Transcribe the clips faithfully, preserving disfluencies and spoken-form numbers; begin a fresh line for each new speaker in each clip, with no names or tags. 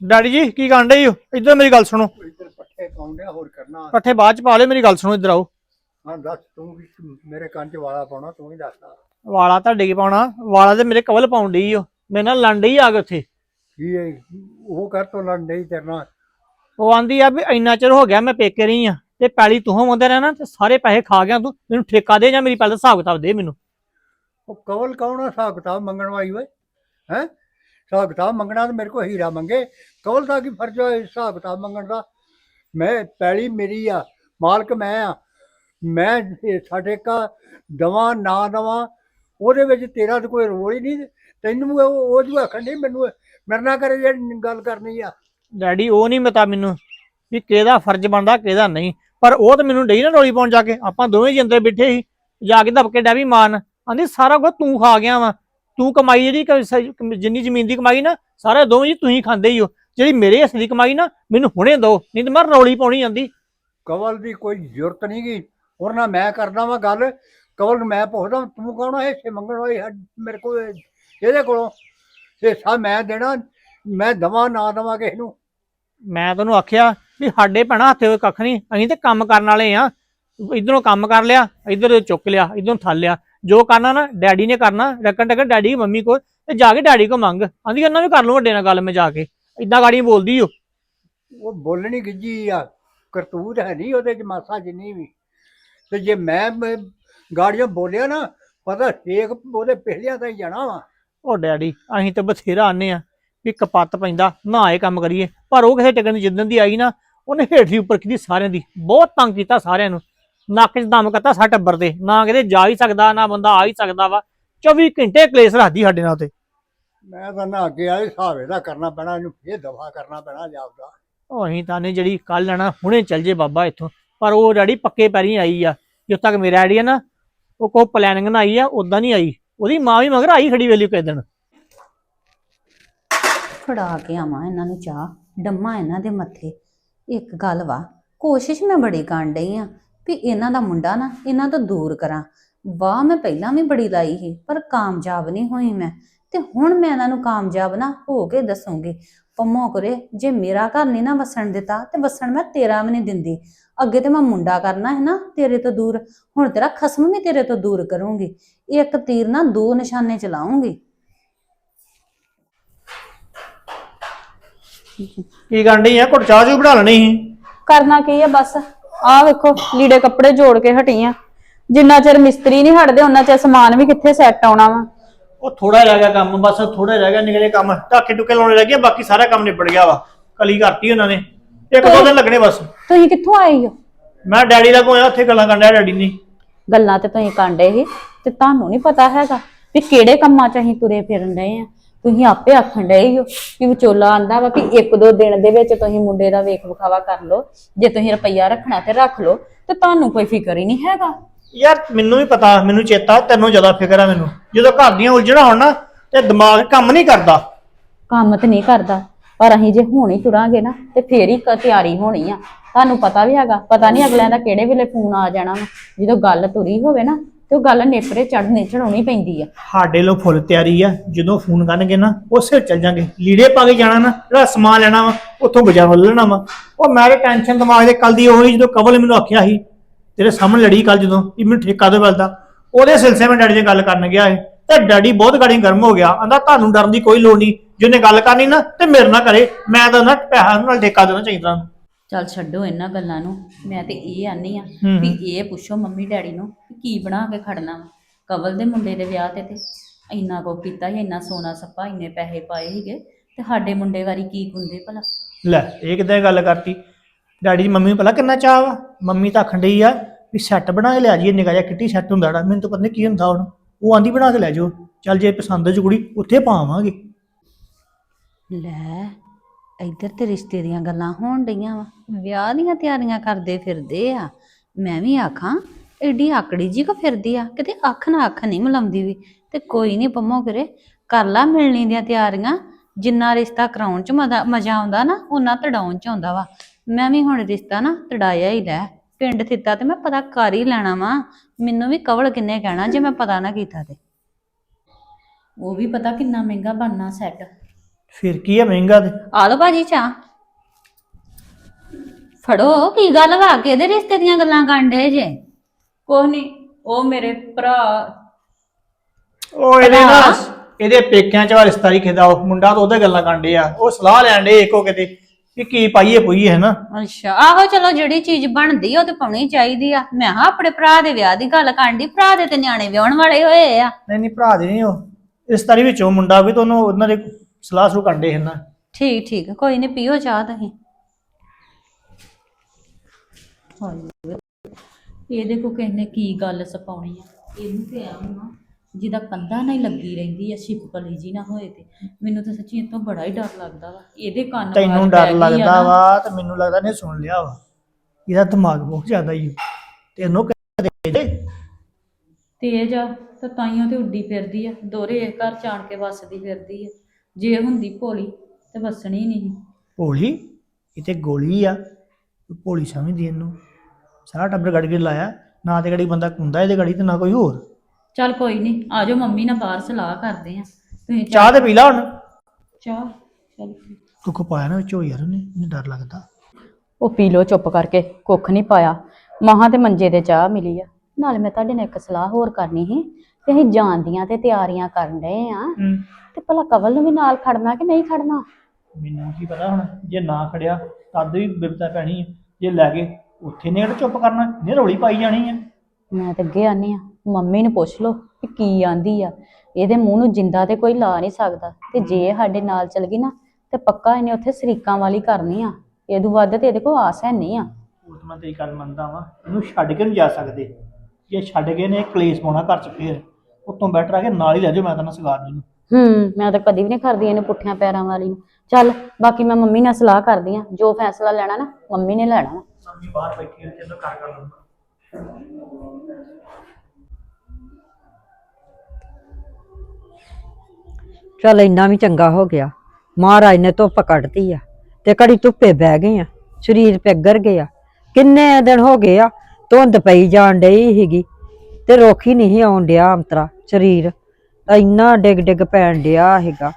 Daddy ਜੀ ਕੀ ਕਰਨ ਡੇ ਹੋ? ਇੱਧਰ ਮੇਰੀ ਗੱਲ ਸੁਣੋ।
ਇੱਧਰ ਪੱਠੇ ਪਾਉਂਦੇ ਹੋਰ ਕਰਨਾ।
ਪੱਠੇ ਬਾਅਦ ਚ ਪਾ ਲਿਓ, ਮੇਰੀ ਗੱਲ ਸੁਣੋ, ਇੱਧਰ ਆਓ।
ਹਾਂ ਦੱਸ, ਤੂੰ ਵੀ ਮੇਰੇ ਕੰਨ 'ਚ ਵਾਲਾ ਪਾਉਣਾ, ਤੂੰ ਹੀ ਦੱਸ।
ਵਾਲਾ ਤੁਹਾਡੇ ਕੀ ਪਾਉਣਾ? ਵਾਲਾ ਤੇ ਮੇਰੇ ਕਵਲ ਪਾਉਣ ਡਈ ਓ। ਮੇਰੇ ਨਾਲ ਲੜਨ ਡਈ ਆ ਕੇ ਉੱਥੇ।
ਕੀ ਹੈ ਉਹ ਕਰ ਤੋਂ ਲੜ ਨਹੀਂ ਕਰਨਾ।
ਉਹ ਆਂਦੀ ਆ ਵੀ ਇੰਨਾ ਚਿਰ ਹੋ ਗਿਆ ਮੈਂ ਪੇਕੇ ਰਹੀ ਆ ਤੇ ਪੈਲੀ ਤੂੰ ਆਉਂਦੇ ਰਹਿਣਾ ਤੇ ਸਾਰੇ ਪੈਸੇ ਖਾ ਗਿਆ ਤੂੰ, ਮੈਨੂੰ ਠੇਕਾ ਦੇ ਜਾਂ ਮੇਰੀ ਪਹਿਲਾਂ ਹਿਸਾਬ ਕਿਤਾਬ ਦੇ ਮੈਨੂੰ।
ਉਹ ਕਵਲ ਕੌਣ ਆ ਹਿਸਾਬ ਕਿਤਾਬ ਮੰਗਣ ਵਾਲੀ ਓਏ? ਹੈ ਹਿਸਾਬ ਕਿਤਾਬ ਮੰਗਣਾ ਤੇ ਮੇਰੇ ਕੋਲ ਹੀਰਾ ਮੰਗੇ। ਕਵਲ ਦਾ ਕੀ ਫਰਜ਼ ਹੋਇਆ ਹਿਸਾਬ ਕਿਤਾਬ ਮੰਗਣ ਦਾ? ਮੈਂ ਪੈਲੀ ਮੇਰੀ ਆ, ਮਾਲਕ ਮੈਂ ਆ। ਮੈਂ ਹਿੱਸਾ ਠੇਕਾ ਦਵਾਂ ਨਾ ਦਵਾਂ ਉਹਦੇ ਵਿੱਚ ਤੇਰਾ ਤਾਂ ਕੋਈ ਰੋਲ ਹੀ ਨਹੀਂ। ਤੈਨੂੰ ਉਹ ਉਹ ਜੋ ਆਖਣ ਨਹੀਂ ਮੈਨੂੰ ਮੇਰੇ ਨਾਲ ਕਰੇ ਜਿਹੜੀ ਗੱਲ ਕਰਨੀ ਆ।
ਡੈਡੀ ਉਹ ਨਹੀਂ ਪਤਾ ਮੈਨੂੰ ਵੀ ਕਿਹਦਾ ਫਰਜ਼ ਬਣਦਾ ਕਿਹਦਾ ਨਹੀਂ, ਪਰ ਉਹ ਤਾਂ ਮੈਨੂੰ ਡਈ ਨਾ ਰੋਲੀ ਪਾਉਣ। ਜਾ ਕੇ ਆਪਾਂ ਦੋਵੇਂ ਜੀ ਅੰਦਰ ਬੈਠੇ ਸੀ, ਜਾ ਕੇ ਧੱਪ ਕੇ ਡੈ ਵੀ ਮਾਰਨ। ਆਂਦੀ ਸਾਰਾ ਕੁਝ ਤੂੰ ਖਾ ਗਿਆ ਵਾ, ਤੂੰ ਕਮਾਈ ਜਿਹੜੀ ਜਿੰਨੀ ਜ਼ਮੀਨ ਦੀ ਕਮਾਈ ਨਾ ਸਾਰੇ ਦੋਵੇਂ ਜੀ ਤੁਸੀਂ ਖਾਂਦੇ ਹੀ ਹੋ। ਜਿਹੜੀ ਮੇਰੇ ਹਿੱਸੇ ਦੀ ਕਮਾਈ ਨਾ ਮੈਨੂੰ ਹੁਣੇ ਦੋ, ਨਹੀਂ ਤੇ ਮੈਂ ਰੌਲੀ ਪਾਉਣੀ ਜਾਂਦੀ।
ਕਵਲ ਦੀ ਕੋਈ ਜ਼ਰੂਰਤ ਨਹੀਂ ਗੀ, ਔਰ ਨਾ ਮੈਂ ਕਰਦਾ ਵਾਂ ਗੱਲ। ਕਵਲ ਨੂੰ ਮੈਂ ਪੁੱਛਦਾ ਤੂੰ ਕੌਣ ਆ ਹਿੱਸੇ ਮੰਗਣ ਵਾਲੀ? ਮੇਰੇ ਕੋਲ ਇਹਦੇ ਕੋਲੋਂ ਹਿੱਸਾ ਮੈਂ ਦੇਣਾ, ਮੈਂ ਦਵਾਂ ਨਾ ਦਵਾਂ ਕਿਸੇ ਨੂੰ।
ਮੈਂ ਤੈਨੂੰ ਆਖਿਆ ਵੀ ਸਾਡੇ ਭੈਣਾ ਹੱਥੇ ਕੱਖ ਨਹੀਂ, ਅਸੀਂ ਤੇ ਕੰਮ ਕਰਨ ਵਾਲੇ ਆ। ਇਧਰੋਂ ਕੰਮ ਕਰ ਲਿਆ, ਇਧਰ ਚੁੱਕ ਲਿਆ, ਇਧਰੋਂ ਥੱਲ ਲਿਆ। ਜੋ ਕਰਨਾ ਨਾ ਡੈਡੀ ਨੇ ਕਰਨਾ। ਰਕਣ ਟਕਣ ਡੈਡੀ ਮੰਮੀ ਕੋਲ ਤੇ ਜਾ ਕੇ ਡੈਡੀ ਕੋ ਮੰਗ। ਆਂਦੀ ਉਹਨਾਂ ਵੀ ਕਰ ਲੂ ਵੱਡੇ ਨਾਲ ਗੱਲ। ਮੈਂ ਜਾ ਕੇ ਇਦਾਂ ਗਾੜੀ ਬੋਲਦੀ ਓ।
ਉਹ ਬੋਲਣੀ ਗਿੱਜੀ ਆ, ਕਰਤੂਤ ਹੈ ਨਹੀਂ ਉਹਦੇ 'ਚ ਮਾਸਾ ਜਿੰਨੀ ਵੀ। ਤੇ ਜੇ ਮੈਂ ਗਾੜੀਆਂ ਬੋਲਿਆ ਨਾ ਪਤਾ ਛੇਕ ਉਹਦੇ ਪਿਛਲਿਆਂ ਤਾਂ ਹੀ ਜਾਣਾ ਵਾ।
ਉਹ ਡੈਡੀ ਅਸੀਂ ਤਾਂ ਬਥੇਰਾ ਆਨੇ ਆ ਵੀ ਕਪੱਤ ਪੈਂਦਾ ਨਾ ਇਹ ਕੰਮ ਕਰੀਏ, ਪਰ ਉਹ ਕਿਸੇ ਟਿਕਣ ਦੀ ਜਿੱਦਣ ਦੀ ਆਈ ਨਾ ਉਹਨੇ ਹੇਠਲੀ ਉੱਪਰ ਕੀਤੀ ਸਾਰਿਆਂ ਦੀ। ਬਹੁਤ ਤੰਗ ਕੀਤਾ ਸਾਰਿਆਂ ਨੂੰ, ਨੱਕ 'ਚ ਦਮ ਕਰਤਾ ਸਾ ਟੱਬਰ ਤੇ। ਨਾ ਕਿਤੇ ਜਾ ਹੀ ਸਕਦਾ ਨਾ ਬੰਦਾ ਆ ਹੀ ਸਕਦਾ ਵਾ। ਚੌਵੀ ਘੰਟੇ ਕਲੇਸ਼ ਰੱਖਦੀ ਸਾਡੇ ਨਾਲ ਤੇ।
ਮੈਂ ਤਾਂ ਨਾ ਅੱਗੇ ਆਏ ਹਿਸਾਬ ਇਹਦਾ ਕਰਨਾ ਪੈਣਾ, ਇਹਨੂੰ ਫੇਰ ਦਫਾ ਕਰਨਾ ਪੈਣਾ ਜਾਪਦਾ।
ਉਹ ਅਸੀਂ ਤਾਂ ਨੇ ਜਿਹੜੀ ਕੱਲ ਲੈਣਾ ਹੁਣੇ ਚੱਲ ਜੇ ਬਾਬਾ ਇੱਥੋਂ, ਪਰ ਉਹ ਡੈਡੀ ਪੱਕੇ ਪੈਰੀ ਆਈ ਆ। ਜਦੋਂ ਤੱਕ ਮੇਰਾ ਆਈਡੀਆ ਨਾ ਉਹ ਕੋਈ ਪਲੈਨਿੰਗ ਨਾ ਆਈ ਆ ਉਦਾਂ ਨਹੀਂ ਆਈ। ਉਹਦੀ ਮਾਂ ਵੀ ਮਗਰ ਆਈ ਖੜੀ ਵੇਲੀ ਕਿਸੇ ਦਿਨ।
ਫੜਾ ਕੇ ਆਵਾਂ ਇਹਨਾਂ ਨੂੰ ਚਾਹ, ਡੰਮਾ ਇਹਨਾਂ ਦੇ ਮੱਥੇ। ਇੱਕ ਗੱਲ ਵਾ, ਕੋਸ਼ਿਸ਼ ਮੈਂ ਬੜੀ ਕਰਨ ਡਈ ਆ ਵੀ ਇਹਨਾਂ ਦਾ ਮੁੰਡਾ ਨਾ ਇਹਨਾਂ ਤੋਂ ਦੂਰ ਕਰਾਂ। ਵਾਹ ਮੈਂ ਪਹਿਲਾਂ ਵੀ ਬੜੀ ਲਾਈ ਸੀ ਪਰ ਕਾਮਯਾਬ ਨਹੀਂ ਹੋਈ ਮੈਂ, ਤੇ ਹੁਣ ਮੈਂ ਇਹਨਾਂ ਨੂੰ ਕਾਮਯਾਬ ਨਾ ਹੋ ਕੇ ਦੱਸੂਗੀ। ਪੰਮੋ ਕਰੇ ਜੇ ਮੇਰਾ ਘਰ ਨਹੀਂ ਨਾ ਵਸਣ ਦਿੱਤਾ ਤੇ ਵਸਣ ਮੈਂ ਤੇਰਾ ਵੀ ਨਹੀਂ ਦਿੰਦੀ। ਅੱਗੇ ਤੇ ਮੈਂ ਮੁੰਡਾ ਕਰਨਾ ਹੈ ਨਾ ਤੇਰੇ ਤੋਂ ਦੂਰ, ਹੁਣ ਤੇਰਾ ਖਸਮ ਵੀ ਤੇਰੇ ਤੋਂ ਦੂਰ ਕਰੂੰਗੀ। ਇੱਕ ਤੀਰ ਨਾ ਦੋ ਨਿਸ਼ਾਨੇ ਚਲਾਉਂਗੀ।
ਕੀ ਕਰਨ ਡਈ ਆ? ਘੁੱਟ ਚਾਹ ਚੂ ਬਣਾ ਲੈਣੀ ਸੀ।
ਕਰਨਾ ਕੀ ਆ, ਬਸ ਆਹ ਵੇਖੋ ਲੀੜੇ ਕੱਪੜੇ ਜੋੜ ਕੇ ਹਟੀ ਆ। ਜਿੰਨਾ ਚਿਰ ਮਿਸਤਰੀ ਨਹੀਂ ਹਟਦੇ ਉਹਨਾਂ ਚਿਰ ਸਮਾਨ ਵੀ ਕਿੱਥੇ ਸੈੱਟ ਆਉਣਾ ਵਾ।
ਉਹ ਥੋੜਾ ਰਹਿ ਗਿਆ ਕੰਮ, ਬਸ ਥੋੜਾ ਰਹਿ ਗਿਆ ਨਿਕਲੇ ਕੰਮ। ਢਾਕੇ ਟੁਕੇ ਲਾਉਣੇ ਲੱਗੇ, ਬਾਕੀ ਸਾਰਾ ਕੰਮ ਨਿਬੜ ਗਿਆ ਵਾ। ਕਲੀ ਕਰਤੀ ਉਹਨਾਂ ਨੇ, ਇੱਕ ਦੋ ਦਿਨ ਲੱਗਣੇ ਬਸ।
ਤੁਸੀਂ ਕਿੱਥੋਂ ਆਏ ਹੋ?
ਮੈਂ ਡੈਡੀ ਦਾ ਕੋਇਆ, ਉੱਥੇ ਗੱਲਾਂ ਕਰਨ ਡਿਆ ਡੈਡੀ ਨੇ।
ਗੱਲਾਂ ਤੇ ਤੁਸੀਂ ਕਾਂਡੇ ਸੀ ਤੇ ਤੁਹਾਨੂੰ ਨਹੀਂ ਪਤਾ ਹੈਗਾ ਵੀ ਕਿਹੜੇ ਕੰਮਾਂ 'ਚ ਅਸੀਂ ਤੁਰੇ ਫਿਰਨ ਡਏ ਆ। ਤੁਸੀਂ ਆਪੇ ਆਖਣ ਡਏ ਹੋ ਕਿ ਵਿਚੋਲਾ ਆਂਦਾ ਵਾ ਵੀ ਇੱਕ ਦੋ ਦਿਨ ਦੇ ਵਿੱਚ ਤੁਸੀਂ ਮੁੰਡੇ ਦਾ ਵੇਖ ਵਿਖਾਵਾ ਕਰ ਲਓ। ਜੇ ਤੁਸੀਂ ਰੁਪਈਆ ਰੱਖਣਾ ਤੇ ਰੱਖ ਲਓ, ਤੇ ਤੁਹਾਨੂੰ ਕੋਈ ਫਿਕਰ ਹੀ ਨਹੀਂ ਹੈਗਾ।
ਯਾਰ ਮੈਨੂੰ ਵੀ ਪਤਾ, ਮੈਨੂੰ ਚੇਤਾ, ਤੈਨੂੰ ਜ਼ਿਆਦਾ ਫਿਕਰ ਆ ਮੈਨੂੰ। ਜਦੋਂ ਘਰ ਦੀਆਂ ਉਲਝਣਾ ਹੋਣ ਨਾ ਤੇ ਦਿਮਾਗ ਕੰਮ ਨਹੀਂ ਕਰਦਾ।
ਕੰਮ ਤੇ ਨਹੀਂ ਕਰਦਾ, ਪਰ ਅਸੀਂ ਜੇ ਹੁਣ ਹੀ ਤੁਰਾਂਗੇ ਨਾ ਤੇ ਫੇਰ ਹੀ ਤਿਆਰੀ ਹੋਣੀ ਆ। ਤੁਹਾਨੂੰ ਪਤਾ ਵੀ ਹੈਗਾ, ਪਤਾ ਨਹੀਂ ਅਗਲਿਆਂ ਦਾ ਕਿਹੜੇ ਵੇਲੇ ਫੋਨ ਆ ਜਾਣਾ ਵਾ। ਜਦੋਂ ਗੱਲ ਤੁਰੀ ਹੋਵੇ ਨਾ ਤੇ ਉਹ ਗੱਲ ਨੇਪਰੇ ਚੜ੍ਹਨੇ ਚੜਾਉਣੀ ਪੈਂਦੀ ਆ।
ਸਾਡੇ ਲੋ ਫੁੱਲ ਤਿਆਰੀ ਆ, ਜਦੋਂ ਫੋਨ ਕਰਨਗੇ ਨਾ ਉਸੇ ਚੱਲ ਜਾਂਗੇ। ਲੀੜੇ ਪਾ ਕੇ ਜਾਣਾ ਨਾ, ਜਿਹੜਾ ਸਮਾਨ ਲੈਣਾ ਵਾ ਉੱਥੋਂ ਬਾਜ਼ਾਰ ਵੱਲ ਲੈਣਾ ਵਾ। ਉਹ ਮੇਰੇ ਟੈਨਸ਼ਨ ਦਿਮਾਗ ਦੇ ਕੱਲ ਦੀ ਉਹੀ ਜਦੋਂ ਕਵਲ ਮੈਨੂੰ ਆਖਿਆ ਸੀ ਤੇਰੇ ਸਾਹਮਣੇ ਲੜੀ ਕੱਲ ਜਦੋਂ ਵੀ ਮੈਨੂੰ ਠੇਕਾ ਦੇ ਮਿਲਦਾ, ਉਹਦੇ ਸਿਲਸਿਲੇ ਵਿੱਚ ਡੈਡੀ ਨੇ ਗੱਲ ਕਰਨ ਗਿਆ ਹੈ ਤੇ ਡੈਡੀ ਬਹੁਤ ਗਾੜੀ ਗਰਮ ਹੋ ਗਿਆ। ਆਂਦਾ ਤੁਹਾਨੂੰ ਡਰਨ ਦੀ ਕੋਈ ਲੋੜ ਨਹੀਂ, ਜਿਹਨੇ ਗੱਲ ਕਰਨੀ ਨਾ ਤੇ ਮੇਰੇ ਨਾਲ ਕਰੇ, ਮੈਂ ਤਾਂ ਨਾ ਪੈਸਾ ਨਾਲ ਠੇਕਾ ਦੇਣਾ ਚਾਹੀਦਾ।
ਚੱਲ ਛੱਡੋ ਇਹਨਾਂ ਗੱਲਾਂ ਨੂੰ। ਮੈਂ ਤੇ ਇਹ ਆਨੀ ਆ ਵੀ ਇਹ ਪੁੱਛੋ ਮੰਮੀ ਡੈਡੀ ਨੂੰ ਕੀ ਬਣਾ ਕੇ ਖੜਨਾ ਵਾ। ਕਵਲ ਦੇ ਮੁੰਡੇ ਦੇ ਵਿਆਹ ਤੇ ਤੇ ਇੰਨਾ ਕੋ ਕੀਤਾ ਸੀ, ਇੰਨਾ ਸੋਨਾ ਸੱਪਾ, ਇੰਨੇ ਪੈਸੇ ਪਾਏ ਸੀਗੇ, ਤੇ ਸਾਡੇ ਮੁੰਡੇ ਵਾਰੀ ਕੀ ਕੁੰਦੇ ਭਲਾ।
ਲੈ ਇਹ ਕਿਦਾਂ ਗੱਲ ਕਰਤੀ? ਡੈਡੀ ਦੀ ਮੰਮੀ ਨੂੰ ਪਤਾ ਕਿੰਨਾ ਚਾਹ ਵਾ। ਮੰਮੀ ਤਾਂ ਆਖਣ ਡਈ ਆ ਵੀ ਸੈੱਟ ਬਣਾ ਕੇ ਲੈ ਜਾਈਏ, ਨਿੱਕਾ ਜਿਹਾ ਕਿੱਟੀ ਸੈੱਟ ਹੁੰਦਾ ਜਿਹੜਾ, ਮੈਨੂੰ ਤਾਂ ਪਤਾ ਨਹੀਂ ਕੀ ਹੁੰਦਾ ਹੁਣ। ਉਹ ਆਂਦੀ ਬਣਾ ਕੇ ਲੈ ਜਾਓ। ਚੱਲ ਜੇ ਪਸੰਦ ਚ ਕੁੜੀ ਉੱਥੇ ਪਾਵਾਂਗੇ।
ਲੈ ਇੱਧਰ ਤੇ ਰਿਸ਼ਤੇ ਦੀਆਂ ਗੱਲਾਂ ਹੋਣ ਡਈਆਂ ਵਾ, ਵਿਆਹ ਦੀਆਂ ਤਿਆਰੀਆਂ ਕਰਦੇ ਫਿਰਦੇ ਆ। ਮੈਂ ਵੀ ਆਖਾਂ ਏਡੀ ਆਕੜੀ ਜੀ ਕੋ ਫਿਰਦੀ ਆ, ਕਿਤੇ ਅੱਖ ਨਾ ਅੱਖ ਨਹੀਂ ਮਿਲਾਉਂਦੀ ਵੀ। ਤੇ ਕੋਈ ਨਹੀਂ ਪੰਮੋ ਕਰੇ ਕਰ ਲਾ ਮਿਲਣੀ ਦੀਆਂ ਤਿਆਰੀਆਂ। ਜਿੰਨਾ ਰਿਸ਼ਤਾ ਕਰਾਉਣ ਚ ਮਜ਼ਾ ਮਜ਼ਾ ਆਉਂਦਾ ਨਾ ਉਹਨਾਂ ਤੜਾਉਣ ਚ ਆਉਂਦਾ ਵਾ। ਮੈਂ ਵੀ ਹੁਣ ਰਿਸ਼ਤਾ ਨਾ ਤੜਾਇਆ ਹੀ ਲੈ। ਪਿੰਡ ਥਿੱਤਾ ਤੇ ਮੈਂ ਪਤਾ ਕਰ ਹੀ ਲੈਣਾ ਵਾ। ਮੈਨੂੰ ਵੀ ਕਵਲ ਕਿੰਨੇ ਕਹਿਣਾ ਜੇ ਮੈਂ ਪਤਾ ਨਾ ਕੀਤਾ ਤੇ। ਉਹ ਵੀ ਪਤਾ ਕਿੰਨਾ ਮਹਿੰਗਾ ਬਣਨਾ ਸੈੱਟ।
ਫਿਰ ਕੀ ਆ ਮਹਿੰਗਾ ਤੇ
ਆ ਲਓ ਭਾਜੀ ਚਾਹ ਫੜੋ। ਕੀ ਗੱਲ ਵਾ ਕਿਹਦੇ ਰਿਸ਼ਤੇ ਦੀਆਂ ਗੱਲਾਂ ਕਰਦੇ ਜੇ?
ਕੁਛ ਨਹੀਂ, ਉਹ ਮੇਰੇ ਭਰਾ
ਉਹ ਇਹਦੇ
ਭਰਾ?
ਨਾ ਇਹਦੇ ਪੇਕਿਆਂ ਚ ਵਾ ਰਿਸ਼ਤਾ ਖਿਦਾ ਉਹ ਮੁੰਡਾ ਤਾਂ ਉਹਦੇ ਗੱਲਾਂ ਕਾਂਡੇ ਆ। ਉਹ ਸਲਾਹ ਲੈਣ ਦੇ ਇੱਕੋ ਕਿਤੇ ਕਿ ਕੀ ਪਾਈਏ ਪੂਈਏ ਹੈ ਨਾ।
ਅੱਛਾ ਆਹੋ ਚਲੋ ਜਿਹੜੀ ਚੀਜ਼ ਬਣਦੀ ਉਹ ਤੇ ਪਾਉਣੀ ਚਾਹੀਦੀ ਆ। ਮੈਂ ਹਾਂ ਆਪਣੇ ਭਰਾ ਦੇ ਵਿਆਹ ਦੀ ਗੱਲ ਕਾਂਡੀ, ਭਰਾ ਦੇ ਤੇ ਨਿਆਣੇ ਵਿਆਹਣ ਵਾਲੇ ਹੋਏ ਆ।
ਨਹੀਂ ਨਹੀਂ ਭਰਾ ਦੇ ਨਹੀਂ ਉਹ ਰਿਸ਼ਤਾਰੀ ਵਿੱਚੋਂ ਮੁੰਡਾ ਵੀ ਤਾਂ ਉਹਨੂੰ ਉਹਨਾਂ ਦੇ ਸਲਾਹ ਸ਼ੁਰੂ ਕਾਂਡੇ ਹੈ ਨਾ।
ਠੀਕ ਠੀਕ ਕੋਈ ਨਹੀਂ, ਪੀਓ ਚਾਹ ਤੁਸੀਂ।
ਇਹਦੇ ਕੋ ਕਿਸੇ ਨੇ ਕੀ ਗੱਲ ਸਪਾਉਣੀ ਆ? ਇਹਨੂੰ ਤੇ ਐਵੇਂ ਨਾ ਜਿਹਦਾ ਕੰਧਾਂ ਨਾਲ ਹੀ ਲੱਗੀ ਰਹਿੰਦੀ ਆ, ਛਿਪਕਲੀ ਜੀ ਨਾ ਹੋਏ ਤੇ। ਮੈਨੂੰ ਤਾਂ ਸੱਚੀ ਇਹ ਤੋਂ ਬੜਾ ਹੀ ਡਰ ਲੱਗਦਾ ਵਾ। ਇਹਦੇ ਕੰਨ
ਤੈਨੂੰ
ਆਵਾਜ਼
ਡਰ
ਪੈ ਗਈ ਆ
ਲੱਗਦਾ
ਨਾ।
ਵਾ ਤੇ ਮੈਨੂੰ ਲੱਗਦਾ ਨੇ ਸੁਣ ਲਿਆ ਵਾ। ਇਹਦਾ ਦਿਮਾਗ ਬਹੁਤ ਜ਼ਿਆਦਾ ਹੀ ਤੈਨੂੰ ਕਦੇ
ਤੇਜ ਆ ਤਾਂ ਤਾਈਆਂ ਤੇ ਉੱਡੀ ਫਿਰਦੀ ਆ, ਦੋਰੇ ਇਹ ਘਰ ਚ ਆਣ ਕੇ ਵੱਸਦੀ ਫਿਰਦੀ ਆ। ਜੇ ਹੁੰਦੀ ਭੋਲੀ ਤੇ ਵੱਸਣੀ ਨਹੀਂ।
ਭੋਲੀ ਇਹ ਤੇ ਗੋਲੀ ਆ। ਤੂੰ ਭੋਲੀ ਸਮਝਦੀ ਇਹਨੂੰ। ਸਾਰਾ ਟੱਬਰ ਗੜ ਕੇ ਲਾਇਆ ਨਾ ਤੇ ਗੜੀ ਬੰਦਾ ਕੁੰਦਾ ਇਹਦੇ ਗੜੀ ਤੇ ਨਾ ਕੋਈ ਹੋਰ।
ਚੱਲ ਕੋਈ ਨਹੀਂ, ਆ ਜਾਓ ਮੰਮੀ ਨਾਲ ਬਾਹਰ ਸਲਾਹ ਕਰਦੇ ਆ। ਤੁਸੀਂ
ਚਾਹ ਤੇ ਪੀ ਲਾ ਹੁਣ।
ਚਾਹ ਚੱਲ
ਤੂੰ ਕੋ ਪਾਇਆ ਨਾ ਵਿੱਚੋਂ ਯਾਰ ਉਹਨੇ, ਮੈਨੂੰ ਡਰ ਲੱਗਦਾ।
ਉਹ ਪੀ ਲੋ ਚੁੱਪ ਕਰਕੇ, ਕੁੱਖ ਨਹੀਂ ਪਾਇਆ। ਮਹਾਂ ਤੇ ਮੰਜੇ ਤੇ ਚਾਹ ਮਿਲੀ ਆ। ਨਾਲੇ ਮੈਂ ਤੁਹਾਡੇ ਨਾਲ ਇੱਕ ਸਲਾਹ ਹੋਰ ਕਰਨੀ ਸੀ ਤੇ ਅਸੀਂ ਜਾਣ ਦੀਆਂ ਤੇ ਤਿਆਰੀਆਂ ਕਰਨ ਡਏ ਆ
ਹੂੰ
ਤੇ ਭਲਾ ਕਵਲ ਨੂੰ ਵੀ ਨਾਲ ਖੜਨਾ ਕਿ ਨਹੀਂ ਖੜਨਾ?
ਮੈਨੂੰ ਕੀ ਪਤਾ ਹੁਣ, ਜੇ ਨਾ ਖੜਿਆ ਤਦ ਵੀ ਬਿਪਤਾ ਪੈਣੀ ਹੈ। ਜੇ ਲੈ ਗਏ ਉੱਥੇ ਨੇ ਕਿਹੜਾ ਚੁੱਪ ਕਰਨਾ, ਨੇ ਰੋਲੀ ਪਾਈ ਜਾਣੀ ਹੈ।
ਮੈਂ ਤੇ ਅੱਗੇ ਆਨੀ ਆ, ਮੰਮੀ ਨੂੰ ਪੁੱਛ ਲਓ ਕਿ ਕੀ ਆਂਦੀ ਆ। ਇਹਦੇ ਮੂੰਹ ਨੂੰ ਜਿੰਦਾ ਤੇ ਕੋਈ ਲਾ ਨਹੀਂ ਸਕਦਾ, ਤੇ ਜੇ ਇਹ ਸਾਡੇ ਨਾਲ ਚਲ ਗਈ ਨਾ ਤੇ ਪੱਕਾ ਇਹਨੇ ਉੱਥੇ ਸਰੀਕਾਂ ਵਾਲੀ ਕਰਨੀ ਆ। ਇਹਦੂ ਵੱਧ ਤੇ ਇਹਦੇ ਕੋਲ ਆਸ ਹੈ ਨਹੀਂ ਆ।
ਉਹ ਤਾਂ ਮੈਂ ਤੇਰੀ ਗੱਲ ਮੰਨਦਾ ਵਾਂ, ਇਹਨੂੰ ਛੱਡ ਕੇ ਨਹੀਂ ਜਾ ਸਕਦੇ। ਜੇ ਛੱਡ ਕੇ ਨੇ ਕਲੇਸ਼ ਪਾਉਣਾ ਘਰ ਚ, ਫੇਰ ਉਤੋਂ ਬੈਟਰ ਆ ਕੇ ਨਾਲ ਹੀ ਲੈ ਜਾਓ। ਮੈਂ ਤਾਂ ਨਾ ਸਗਾਰ ਨੂੰ
ਹੂੰ ਮੈਂ ਤਾਂ ਕਦੀ ਵੀ ਨਹੀਂ ਕਰਦੀ ਇਹਨੂੰ ਪੁੱਠਿਆਂ ਪੈਰਾਂ ਵਾਲੀ ਨੂੰ। ਚੱਲ ਬਾਕੀ ਮੈਂ ਮੰਮੀ ਨਾਲ ਸਲਾਹ ਕਰਦੀ ਆ, ਜੋ ਫੈਸਲਾ ਲੈਣਾ ਨਾ ਮੰਮੀ ਨੇ ਲੈਣਾ ਵਾ।
ਮੰਮੀ ਬਾਹਰ ਬੈਠੀ ਹੈ, ਤੈਨੂੰ ਕਰ ਕਰ ਲੂੰਗਾ।
ਚੱਲ ਇੰਨਾ ਵੀ ਚੰਗਾ ਹੋ ਗਿਆ, ਮਹਾਰਾਜ ਨੇ ਧੁੱਪ ਕੱਢਤੀ ਆ ਤੇ ਘੜੀ ਧੁੱਪੇ ਬਹਿ ਗਏ ਆ, ਸਰੀਰ ਪਿੱਗਰ ਗਿਆ। ਕਿੰਨੇ ਦਿਨ ਹੋ ਗਏ ਆ ਧੁੰਦ ਪਈ ਜਾਣ ਡਈ ਸੀਗੀ ਤੇ ਰੋਖੀ ਨਹੀਂ ਆਉਣ ਡਿਆ ਅੰਤਰਾ ਸਰੀਰ, ਇੰਨਾ ਡਿੱਗ ਡਿੱਗ ਪੈਣ ਡਿਆ ਹੈਗਾ।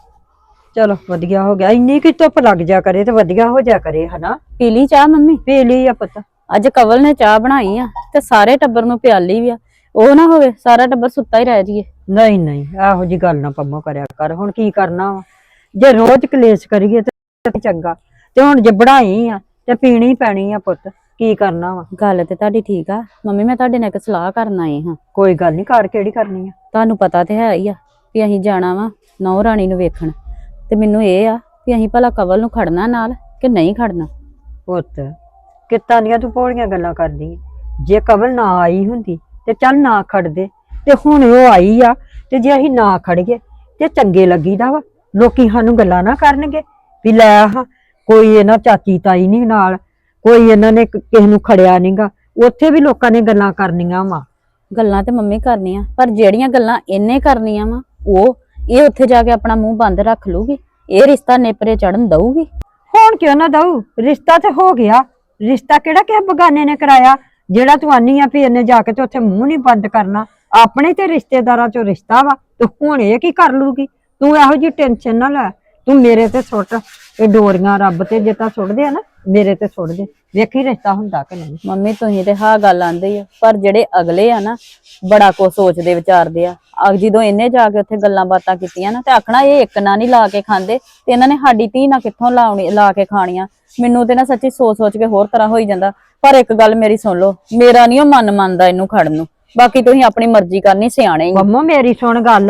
ਚਲੋ ਵਧੀਆ ਹੋ ਗਿਆ, ਇੰਨੀ ਕਿ ਧੁੱਪ ਲੱਗ ਜਾ ਕਰੇ ਤੇ ਵਧੀਆ ਹੋ ਜਾ ਕਰੇ ਹਨਾ।
ਪੀ ਲਈ ਚਾਹ ਮੰਮੀ?
ਪੀ ਲਈ ਆ ਪੁੱਤ।
ਅੱਜ ਕਵਲ ਨੇ ਚਾਹ ਬਣਾਈ ਆ ਤੇ ਸਾਰੇ ਟੱਬਰ ਨੂੰ ਪਿਆਲੀ ਵੀ ਆ। ਉਹ ਨਾ ਹੋਵੇ ਸਾਰਾ ਟੱਬਰ ਸੁੱਤਾ ਹੀ ਰਹਿ ਜਾਈਏ।
ਨਹੀਂ ਨਹੀਂ ਇਹੋ ਜੀ ਗੱਲ ਨਾ ਪੰਮੋ ਕਰਿਆ ਕਰ। ਹੁਣ ਕੀ ਕਰਨਾ ਵਾ, ਜੇ ਰੋਜ਼ ਕਲੇਸ਼ ਕਰੀਏ ਤੇ ਚੰਗਾ, ਤੇ ਹੁਣ ਜੇ ਬਣਾਈ ਆ ਤੇ ਪੀਣੀ ਪੈਣੀ ਆ ਪੁੱਤ, ਕੀ ਕਰਨਾ ਵਾ।
ਗੱਲ ਤੇ ਤੁਹਾਡੀ ਠੀਕ ਆ ਮੰਮੀ, ਮੈਂ ਤੁਹਾਡੇ ਨਾਲ ਇੱਕ ਸਲਾਹ ਕਰਨ ਆਈ ਹਾਂ।
ਕੋਈ ਗੱਲ ਨਹੀਂ, ਕਰ ਕਿਹੜੀ ਕਰਨੀ ਆ।
ਤੁਹਾਨੂੰ ਪਤਾ ਤੇ ਹੈ ਹੀ ਆ ਵੀ ਅਸੀਂ ਜਾਣਾ ਵਾ ਨੌ ਰਾਣੀ ਨੂੰ ਵੇਖਣ, ਤੇ ਮੈਨੂੰ ਇਹ ਆ ਵੀ ਅਸੀਂ ਭਲਾ ਕਵਲ ਨੂੰ ਖੜਨਾ ਨਾਲ ਕਿ ਨਹੀਂ ਖੜਨਾ।
ਪੁੱਤ ਕਿੱਦਾਂ ਦੀਆਂ ਤੂੰ ਭੋਲੀਆਂ ਗੱਲਾਂ ਕਰਦੀ ਆਂ। ਜੇ ਕਵਲ ਨਾ ਆਈ ਹੁੰਦੀ ਤੇ ਚੱਲ ਨਾ ਖੜਦੇ, ਤੇ ਹੁਣ ਉਹ ਆਈ ਆ ਤੇ ਜੇ ਅਸੀਂ ਨਾ ਖੜੀਏ ਤੇ ਚੰਗੇ ਲੱਗੀਦਾ ਵਾ। ਲੋਕੀ ਸਾਨੂੰ ਗੱਲਾਂ ਨਾ ਕਰਨਗੇ ਵੀ ਲੈ ਆਹ ਕੋਈ ਇਹਨਾਂ ਚਾਚੀ ਤਾਈ ਨਹੀਂ ਨਾਲ, ਕੋਈ ਇਹਨਾਂ ਨੇ ਕਿਸੇ ਨੂੰ ਖੜਿਆ ਨਹੀਂਗਾ। ਉੱਥੇ ਵੀ ਲੋਕਾਂ ਨੇ ਗੱਲਾਂ ਕਰਨੀਆਂ ਵਾ।
ਗੱਲਾਂ ਤੇ ਮੰਮੀ ਕਰਨੀਆਂ, ਪਰ ਜਿਹੜੀਆਂ ਗੱਲਾਂ ਇਹਨੇ ਕਰਨੀਆਂ ਵਾ ਉਹ ਇਹ ਉੱਥੇ ਜਾ ਕੇ ਆਪਣਾ ਮੂੰਹ ਬੰਦ ਰੱਖ ਲੂਗੀ। ਇਹ ਰਿਸ਼ਤਾ ਨੇਪਰੇ ਚੜਨ ਦਊਗੀ?
ਹੁਣ ਕਿਉਂ ਨਾ ਦਊ, ਰਿਸ਼ਤਾ ਤੇ ਹੋ ਗਿਆ। ਰਿਸ਼ਤਾ ਕਿਹੜਾ ਕਿਸੇ ਬਗਾਨੇ ਨੇ ਕਰਾਇਆ ਜਿਹੜਾ ਤੂੰ ਆਨੀ ਆ ਵੀ ਇਹਨੇ ਜਾ ਕੇ ਤੇ ਉੱਥੇ ਮੂੰਹ ਨਹੀਂ ਬੰਦ ਕਰਨਾ। ਆਪਣੇ ਤੇ ਰਿਸ਼ਤੇਦਾਰਾਂ ਚੋਂ ਰਿਸ਼ਤਾ ਵਾ, ਤੇ ਹੁਣ ਇਹ ਕੀ ਕਰ ਲੂਗੀ। ਤੂੰ ਇਹੋ ਜਿਹੀ ਟੈਨਸ਼ਨ ਨਾ ਲੈ, ਤੂੰ ਮੇਰੇ ਤੇ ਸੁੱਟ ਇਹ ਡੋਰੀਆਂ। ਰੱਬ ਤੇ ਜੇ ਤਾਂ ਸੁੱਟਦੇ ਆ ਨਾ, ਮੇਰੇ ਤੇ ਸੁੱਟ ਦੇ, ਵੇਖੀ ਰਿਸ਼ਤਾ ਹੁੰਦਾ ਕਿ ਨਹੀਂ।
ਮੰਮੀ ਤੁਸੀਂ ਤੇ ਹਾਂ ਗੱਲ ਆਂਦੇ ਆ, ਪਰ ਜਿਹੜੇ ਅਗਲੇ ਆ ਨਾ ਬੜਾ ਕੁਝ ਸੋਚਦੇ ਵਿਚਾਰਦੇ ਆ। ਅਗ ਜਦੋਂ ਇਹਨੇ ਜਾ ਕੇ ਉੱਥੇ ਗੱਲਾਂ ਬਾਤਾਂ ਕੀਤੀਆਂ ਨਾ ਤੇ ਆਖਣਾ ਇਹ ਇੱਕ ਨਾ ਨਹੀਂ ਲਾ ਕੇ ਖਾਂਦੇ, ਤੇ ਇਹਨਾਂ ਨੇ ਸਾਡੀ ਧੀ ਨਾ ਕਿੱਥੋਂ ਲਾਉਣੀ ਲਾ ਕੇ ਖਾਣੀਆਂ। ਮੈਨੂੰ ਤੇ ਨਾ ਸੱਚੀ ਸੋਚ ਸੋਚ ਕੇ ਹੋਰ ਤਰ੍ਹਾਂ ਹੋਈ ਜਾਂਦਾ। ਪਰ ਇੱਕ ਗੱਲ ਮੇਰੀ ਸੁਣ ਲਓ, ਮੇਰਾ ਨਹੀਂ ਉਹ ਮਨ ਮੰਨਦਾ ਇਹਨੂੰ ਖੜਨ ਨੂੰ। ਬਾਕੀ ਤੁਸੀਂ ਆਪਣੀ ਮਰਜ਼ੀ ਕਰਨੀ, ਸਿਆਣੇ ਹੀ।
ਮੰਮੋ ਮੇਰੀ ਸੁਣ ਗੱਲ,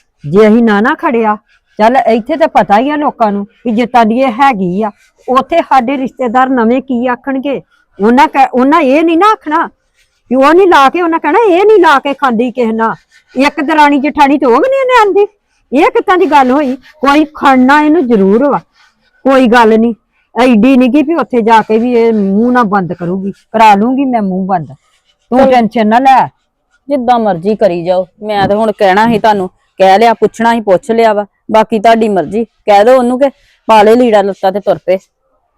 ਜੇ ਅਸੀਂ ਨਾ ਨਾ ਖੜਿਆ, ਚੱਲ ਇੱਥੇ ਤੇ ਪਤਾ ਹੀ ਆ ਲੋਕਾਂ ਨੂੰ ਵੀ ਜਿੱਤਾਂ ਦੀ ਇਹ ਹੈਗੀ ਆ। ਉੱਥੇ ਸਾਡੇ ਰਿਸ਼ਤੇਦਾਰ ਨਵੇਂ ਕੀ ਆਖਣਗੇ। ਉਹਨਾਂ ਕਹਿ ਉਹਨਾਂ ਇਹ ਨਹੀਂ ਨਾ ਆਖਣਾ ਵੀ ਉਹ ਨਹੀਂ ਲਾ ਕੇ, ਉਹਨਾਂ ਕਹਿਣਾ ਇਹ ਨਹੀਂ ਲਾ ਕੇ ਖਾਂਦੀ ਕਿਸੇ ਨਾਲ। ਇੱਕ ਦਰਾਣੀ ਜਠਾਣੀ ਤੇ ਉਹ ਵੀ ਨਹੀਂ ਆਂਦੀ। ਇਹ ਕਿੱਦਾਂ ਦੀ ਗੱਲ ਹੋਈ। ਕੋਈ ਖੜਨਾ ਇਹਨੂੰ ਜ਼ਰੂਰ ਵਾ, ਕੋਈ ਗੱਲ ਨਹੀਂ। ਐਡੀ ਨੀ ਗੀ ਵੀ ਉੱਥੇ ਜਾ ਕੇ ਵੀ ਇਹ ਮੂੰਹ ਨਾ ਬੰਦ ਕਰੂਗੀ। ਕਰਾ ਲੂੰਗੀ ਮੈਂ ਮੂੰਹ ਬੰਦ, ਤੂੰ ਟੈਨਸ਼ਨ ਨਾ ਲੈ।
ਜਿੱਦਾਂ ਮਰਜ਼ੀ ਕਰੀ ਜਾਓ। ਮੈਂ ਤੇ ਹੁਣ ਕਹਿਣਾ ਸੀ ਤੁਹਾਨੂੰ, ਕਹਿ ਲਿਆ, ਪੁੱਛਣਾ ਸੀ ਪੁੱਛ ਲਿਆ ਵਾ। ਬਾਕੀ ਤੁਹਾਡੀ ਮਰਜ਼ੀ, ਕਹਿ ਦੋ ਉਹਨੂੰ ਕਿ ਪਾਲੇ ਲੀੜਾ ਲੱਤਾ ਤੇ ਤੁਰ ਪਏ।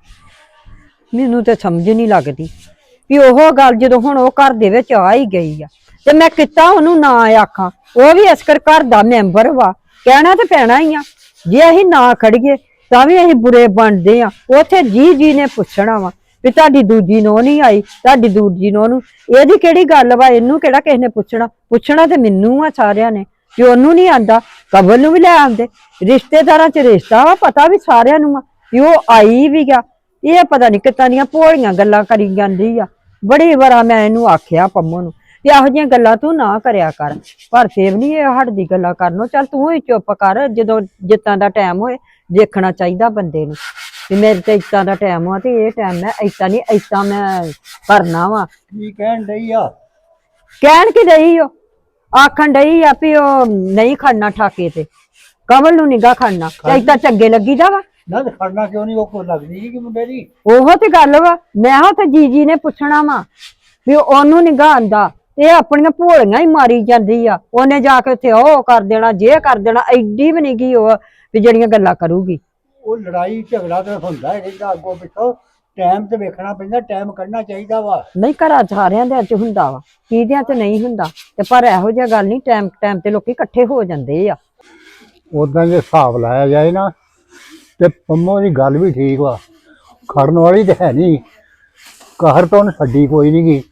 ਮੈਨੂੰ ਤੇ ਸਮਝ ਨਹੀਂ ਲੱਗਦੀ ਵੀ ਉਹ ਗੱਲ ਜਦੋਂ ਹੁਣ ਉਹ ਘਰ ਦੇ ਵਿੱਚ ਆ ਹੀ ਗਈ ਆ ਤੇ ਮੈਂ ਕਿੱਦਾਂ ਉਹਨੂੰ ਨਾ ਆਖਾਂ। ਉਹ ਵੀ ਅਸਕਰ ਘਰ ਦਾ ਮੈਂਬਰ ਵਾ, ਕਹਿਣਾ ਤੇ ਪੈਣਾ ਹੀ ਆ। ਜੇ ਅਸੀਂ ਨਾ ਖੜੀਏ ਤਾਂ ਵੀ ਅਸੀਂ ਬੁਰੇ ਬਣਦੇ ਆ। ਉੱਥੇ ਜੀ ਜੀ ਨੇ ਪੁੱਛਣਾ ਵਾ ਵੀ ਤੁਹਾਡੀ ਦੂਜੀ ਨੋ ਨਹੀਂ ਆਈ, ਤੁਹਾਡੀ ਦੂਜੀ ਨੋ ਨੂੰ ਇਹਦੀ ਕਿਹੜੀ ਗੱਲ ਵਾ, ਇਹਨੂੰ ਕਿਹੜਾ ਕਿਸੇ ਨੇ ਪੁੱਛਣਾ? ਪੁੱਛਣਾ ਤੇ ਮੈਨੂੰ ਆ ਸਾਰਿਆਂ ਨੇ, ਕਿ ਉਹਨੂੰ ਨਹੀਂ ਆਂਦਾ ਕਬਲ ਨੂੰ ਵੀ ਲੈ ਆਉਂਦੇ। ਰਿਸ਼ਤੇਦਾਰਾਂ ਚ ਰਿਸ਼ਤਾ ਵਾ, ਪਤਾ ਵੀ ਸਾਰਿਆਂ ਨੂੰ ਆ ਵੀ ਉਹ ਆਈ ਵੀ ਗਿਆ। ਇਹ ਪਤਾ ਨਹੀਂ ਕਿੱਦਾਂ ਦੀਆਂ ਭੋਲੀਆਂ ਗੱਲਾਂ ਕਰੀ ਜਾਂਦੀ ਆ। ਬੜੀ ਵਾਰਾ ਮੈਂ ਇਹਨੂੰ ਆਖਿਆ ਪੰਮੋ ਨੂੰ ਵੀ ਇਹੋ ਜਿਹੀਆਂ ਗੱਲਾਂ ਤੂੰ ਨਾ ਕਰਿਆ ਕਰ, ਪਰ ਫੇਰ ਨਹੀਂ ਇਹ ਹਟਦੀ ਗੱਲਾਂ ਕਰਨੋਂ। ਚੱਲ ਤੂੰ ਹੀ ਚੁੱਪ ਕਰ, ਜਦੋਂ ਜਿੱਤਾਂ ਦਾ ਟਾਈਮ ਹੋਏ ਦੇਖਣਾ ਚਾਹੀਦਾ ਬੰਦੇ ਨੂੰ ਵੀ ਮੇਰੇ ਤੇ ਇੱਦਾਂ ਦਾ ਟਾਈਮ ਆ ਤੇ ਇਹ ਟਾਈਮ ਮੈਂ ਏਦਾਂ ਨਹੀਂ ਏਦਾਂ ਮੈਂ ਕਰਨਾ ਵਾ।
ਕੀ ਕਹਿਣ ਡਈ ਆ?
ਕਹਿਣ ਕੀ ਡਈ ਉਹ? ਆਖਣ ਡਈ ਆ ਵੀ ਉਹ ਨਹੀਂ ਖੜਨਾ ਠਾਕੇ ਤੇ, ਕਮਲ ਨੂੰ ਨਿਗਾ ਖੜਨਾ ਤੇ ਏਦਾਂ ਚੰਗੇ ਲੱਗੀਦਾ ਵਾ।
ਨਾ ਤੇ ਖੜਨਾ ਕਿਉਂ ਨਹੀਂ? ਉਹ ਕੋ ਲੱਗਦੀ ਸੀ ਕਿ ਮੁੰਡੇ ਦੀ।
ਉਹੋ ਤੇ ਗੱਲ ਵਾ। ਮੈਂ ਹਾਂ ਤੇ ਜੀਜੀ ਨੇ ਪੁੱਛਣਾ ਵਾ ਵੀ ਉਹਨੂੰ ਨਿਗਾ ਆਂਦਾ, ਇਹ ਆਪਣੀਆਂ ਭੋਲੀਆਂ ਹੀ ਮਾਰੀ ਜਾਂਦੀ ਆ। ਉਹਨੇ ਜਾ ਕੇ ਉੱਥੇ ਉਹ ਕਰ ਦੇਣਾ, ਜੇ ਕਰ ਦੇਣਾ, ਐਡੀ ਵੀ ਨਹੀਂ ਗਈ ਉਹ ਵੀ ਜਿਹੜੀਆਂ ਗੱਲਾਂ ਕਰੂਗੀ।
ਉਹ ਲੜਾਈ ਝਗੜਾ ਤਾਂ ਹੁੰਦਾ ਹੀ ਰਹਿੰਦਾ ਅੱਗੋਂ ਪਿੱਛੋਂ, ਟਾਈਮ ਤੇ ਵੇਖਣਾ ਪੈਂਦਾ, ਟਾਈਮ ਕੱਢਣਾ ਚਾਹੀਦਾ ਵਾ।
ਨਹੀਂ ਘਰਾਂ ਚ ਸਾਰਿਆਂ ਦੇ ਅੱਜ ਹੁੰਦਾ ਵਾ, ਕਿਹਦਿਆਂ ਚ ਨਹੀਂ ਹੁੰਦਾ ਤੇ ਪਰ ਇਹੋ ਜਿਹਾ ਗੱਲ ਨਹੀਂ, ਟਾਈਮ ਟਾਈਮ ਤੇ ਲੋਕੀ ਇਕੱਠੇ ਹੋ ਜਾਂਦੇ ਆ।
ਉਦਾਂ ਜੇ ਹਿਸਾਬ ਲਾਇਆ ਜਾਏ ਨਾ ਤੇ ਪੰਮੋ ਦੀ ਗੱਲ ਵੀ ਠੀਕ ਵਾ, ਖੜਨ ਵਾਲੀ ਤੇ ਹੈ ਨਹੀਂ। ਕਹਿਰ ਤੋਂ ਉਹਨੇ ਛੱਡੀ ਕੋਈ ਨਹੀਂ ਗਈ,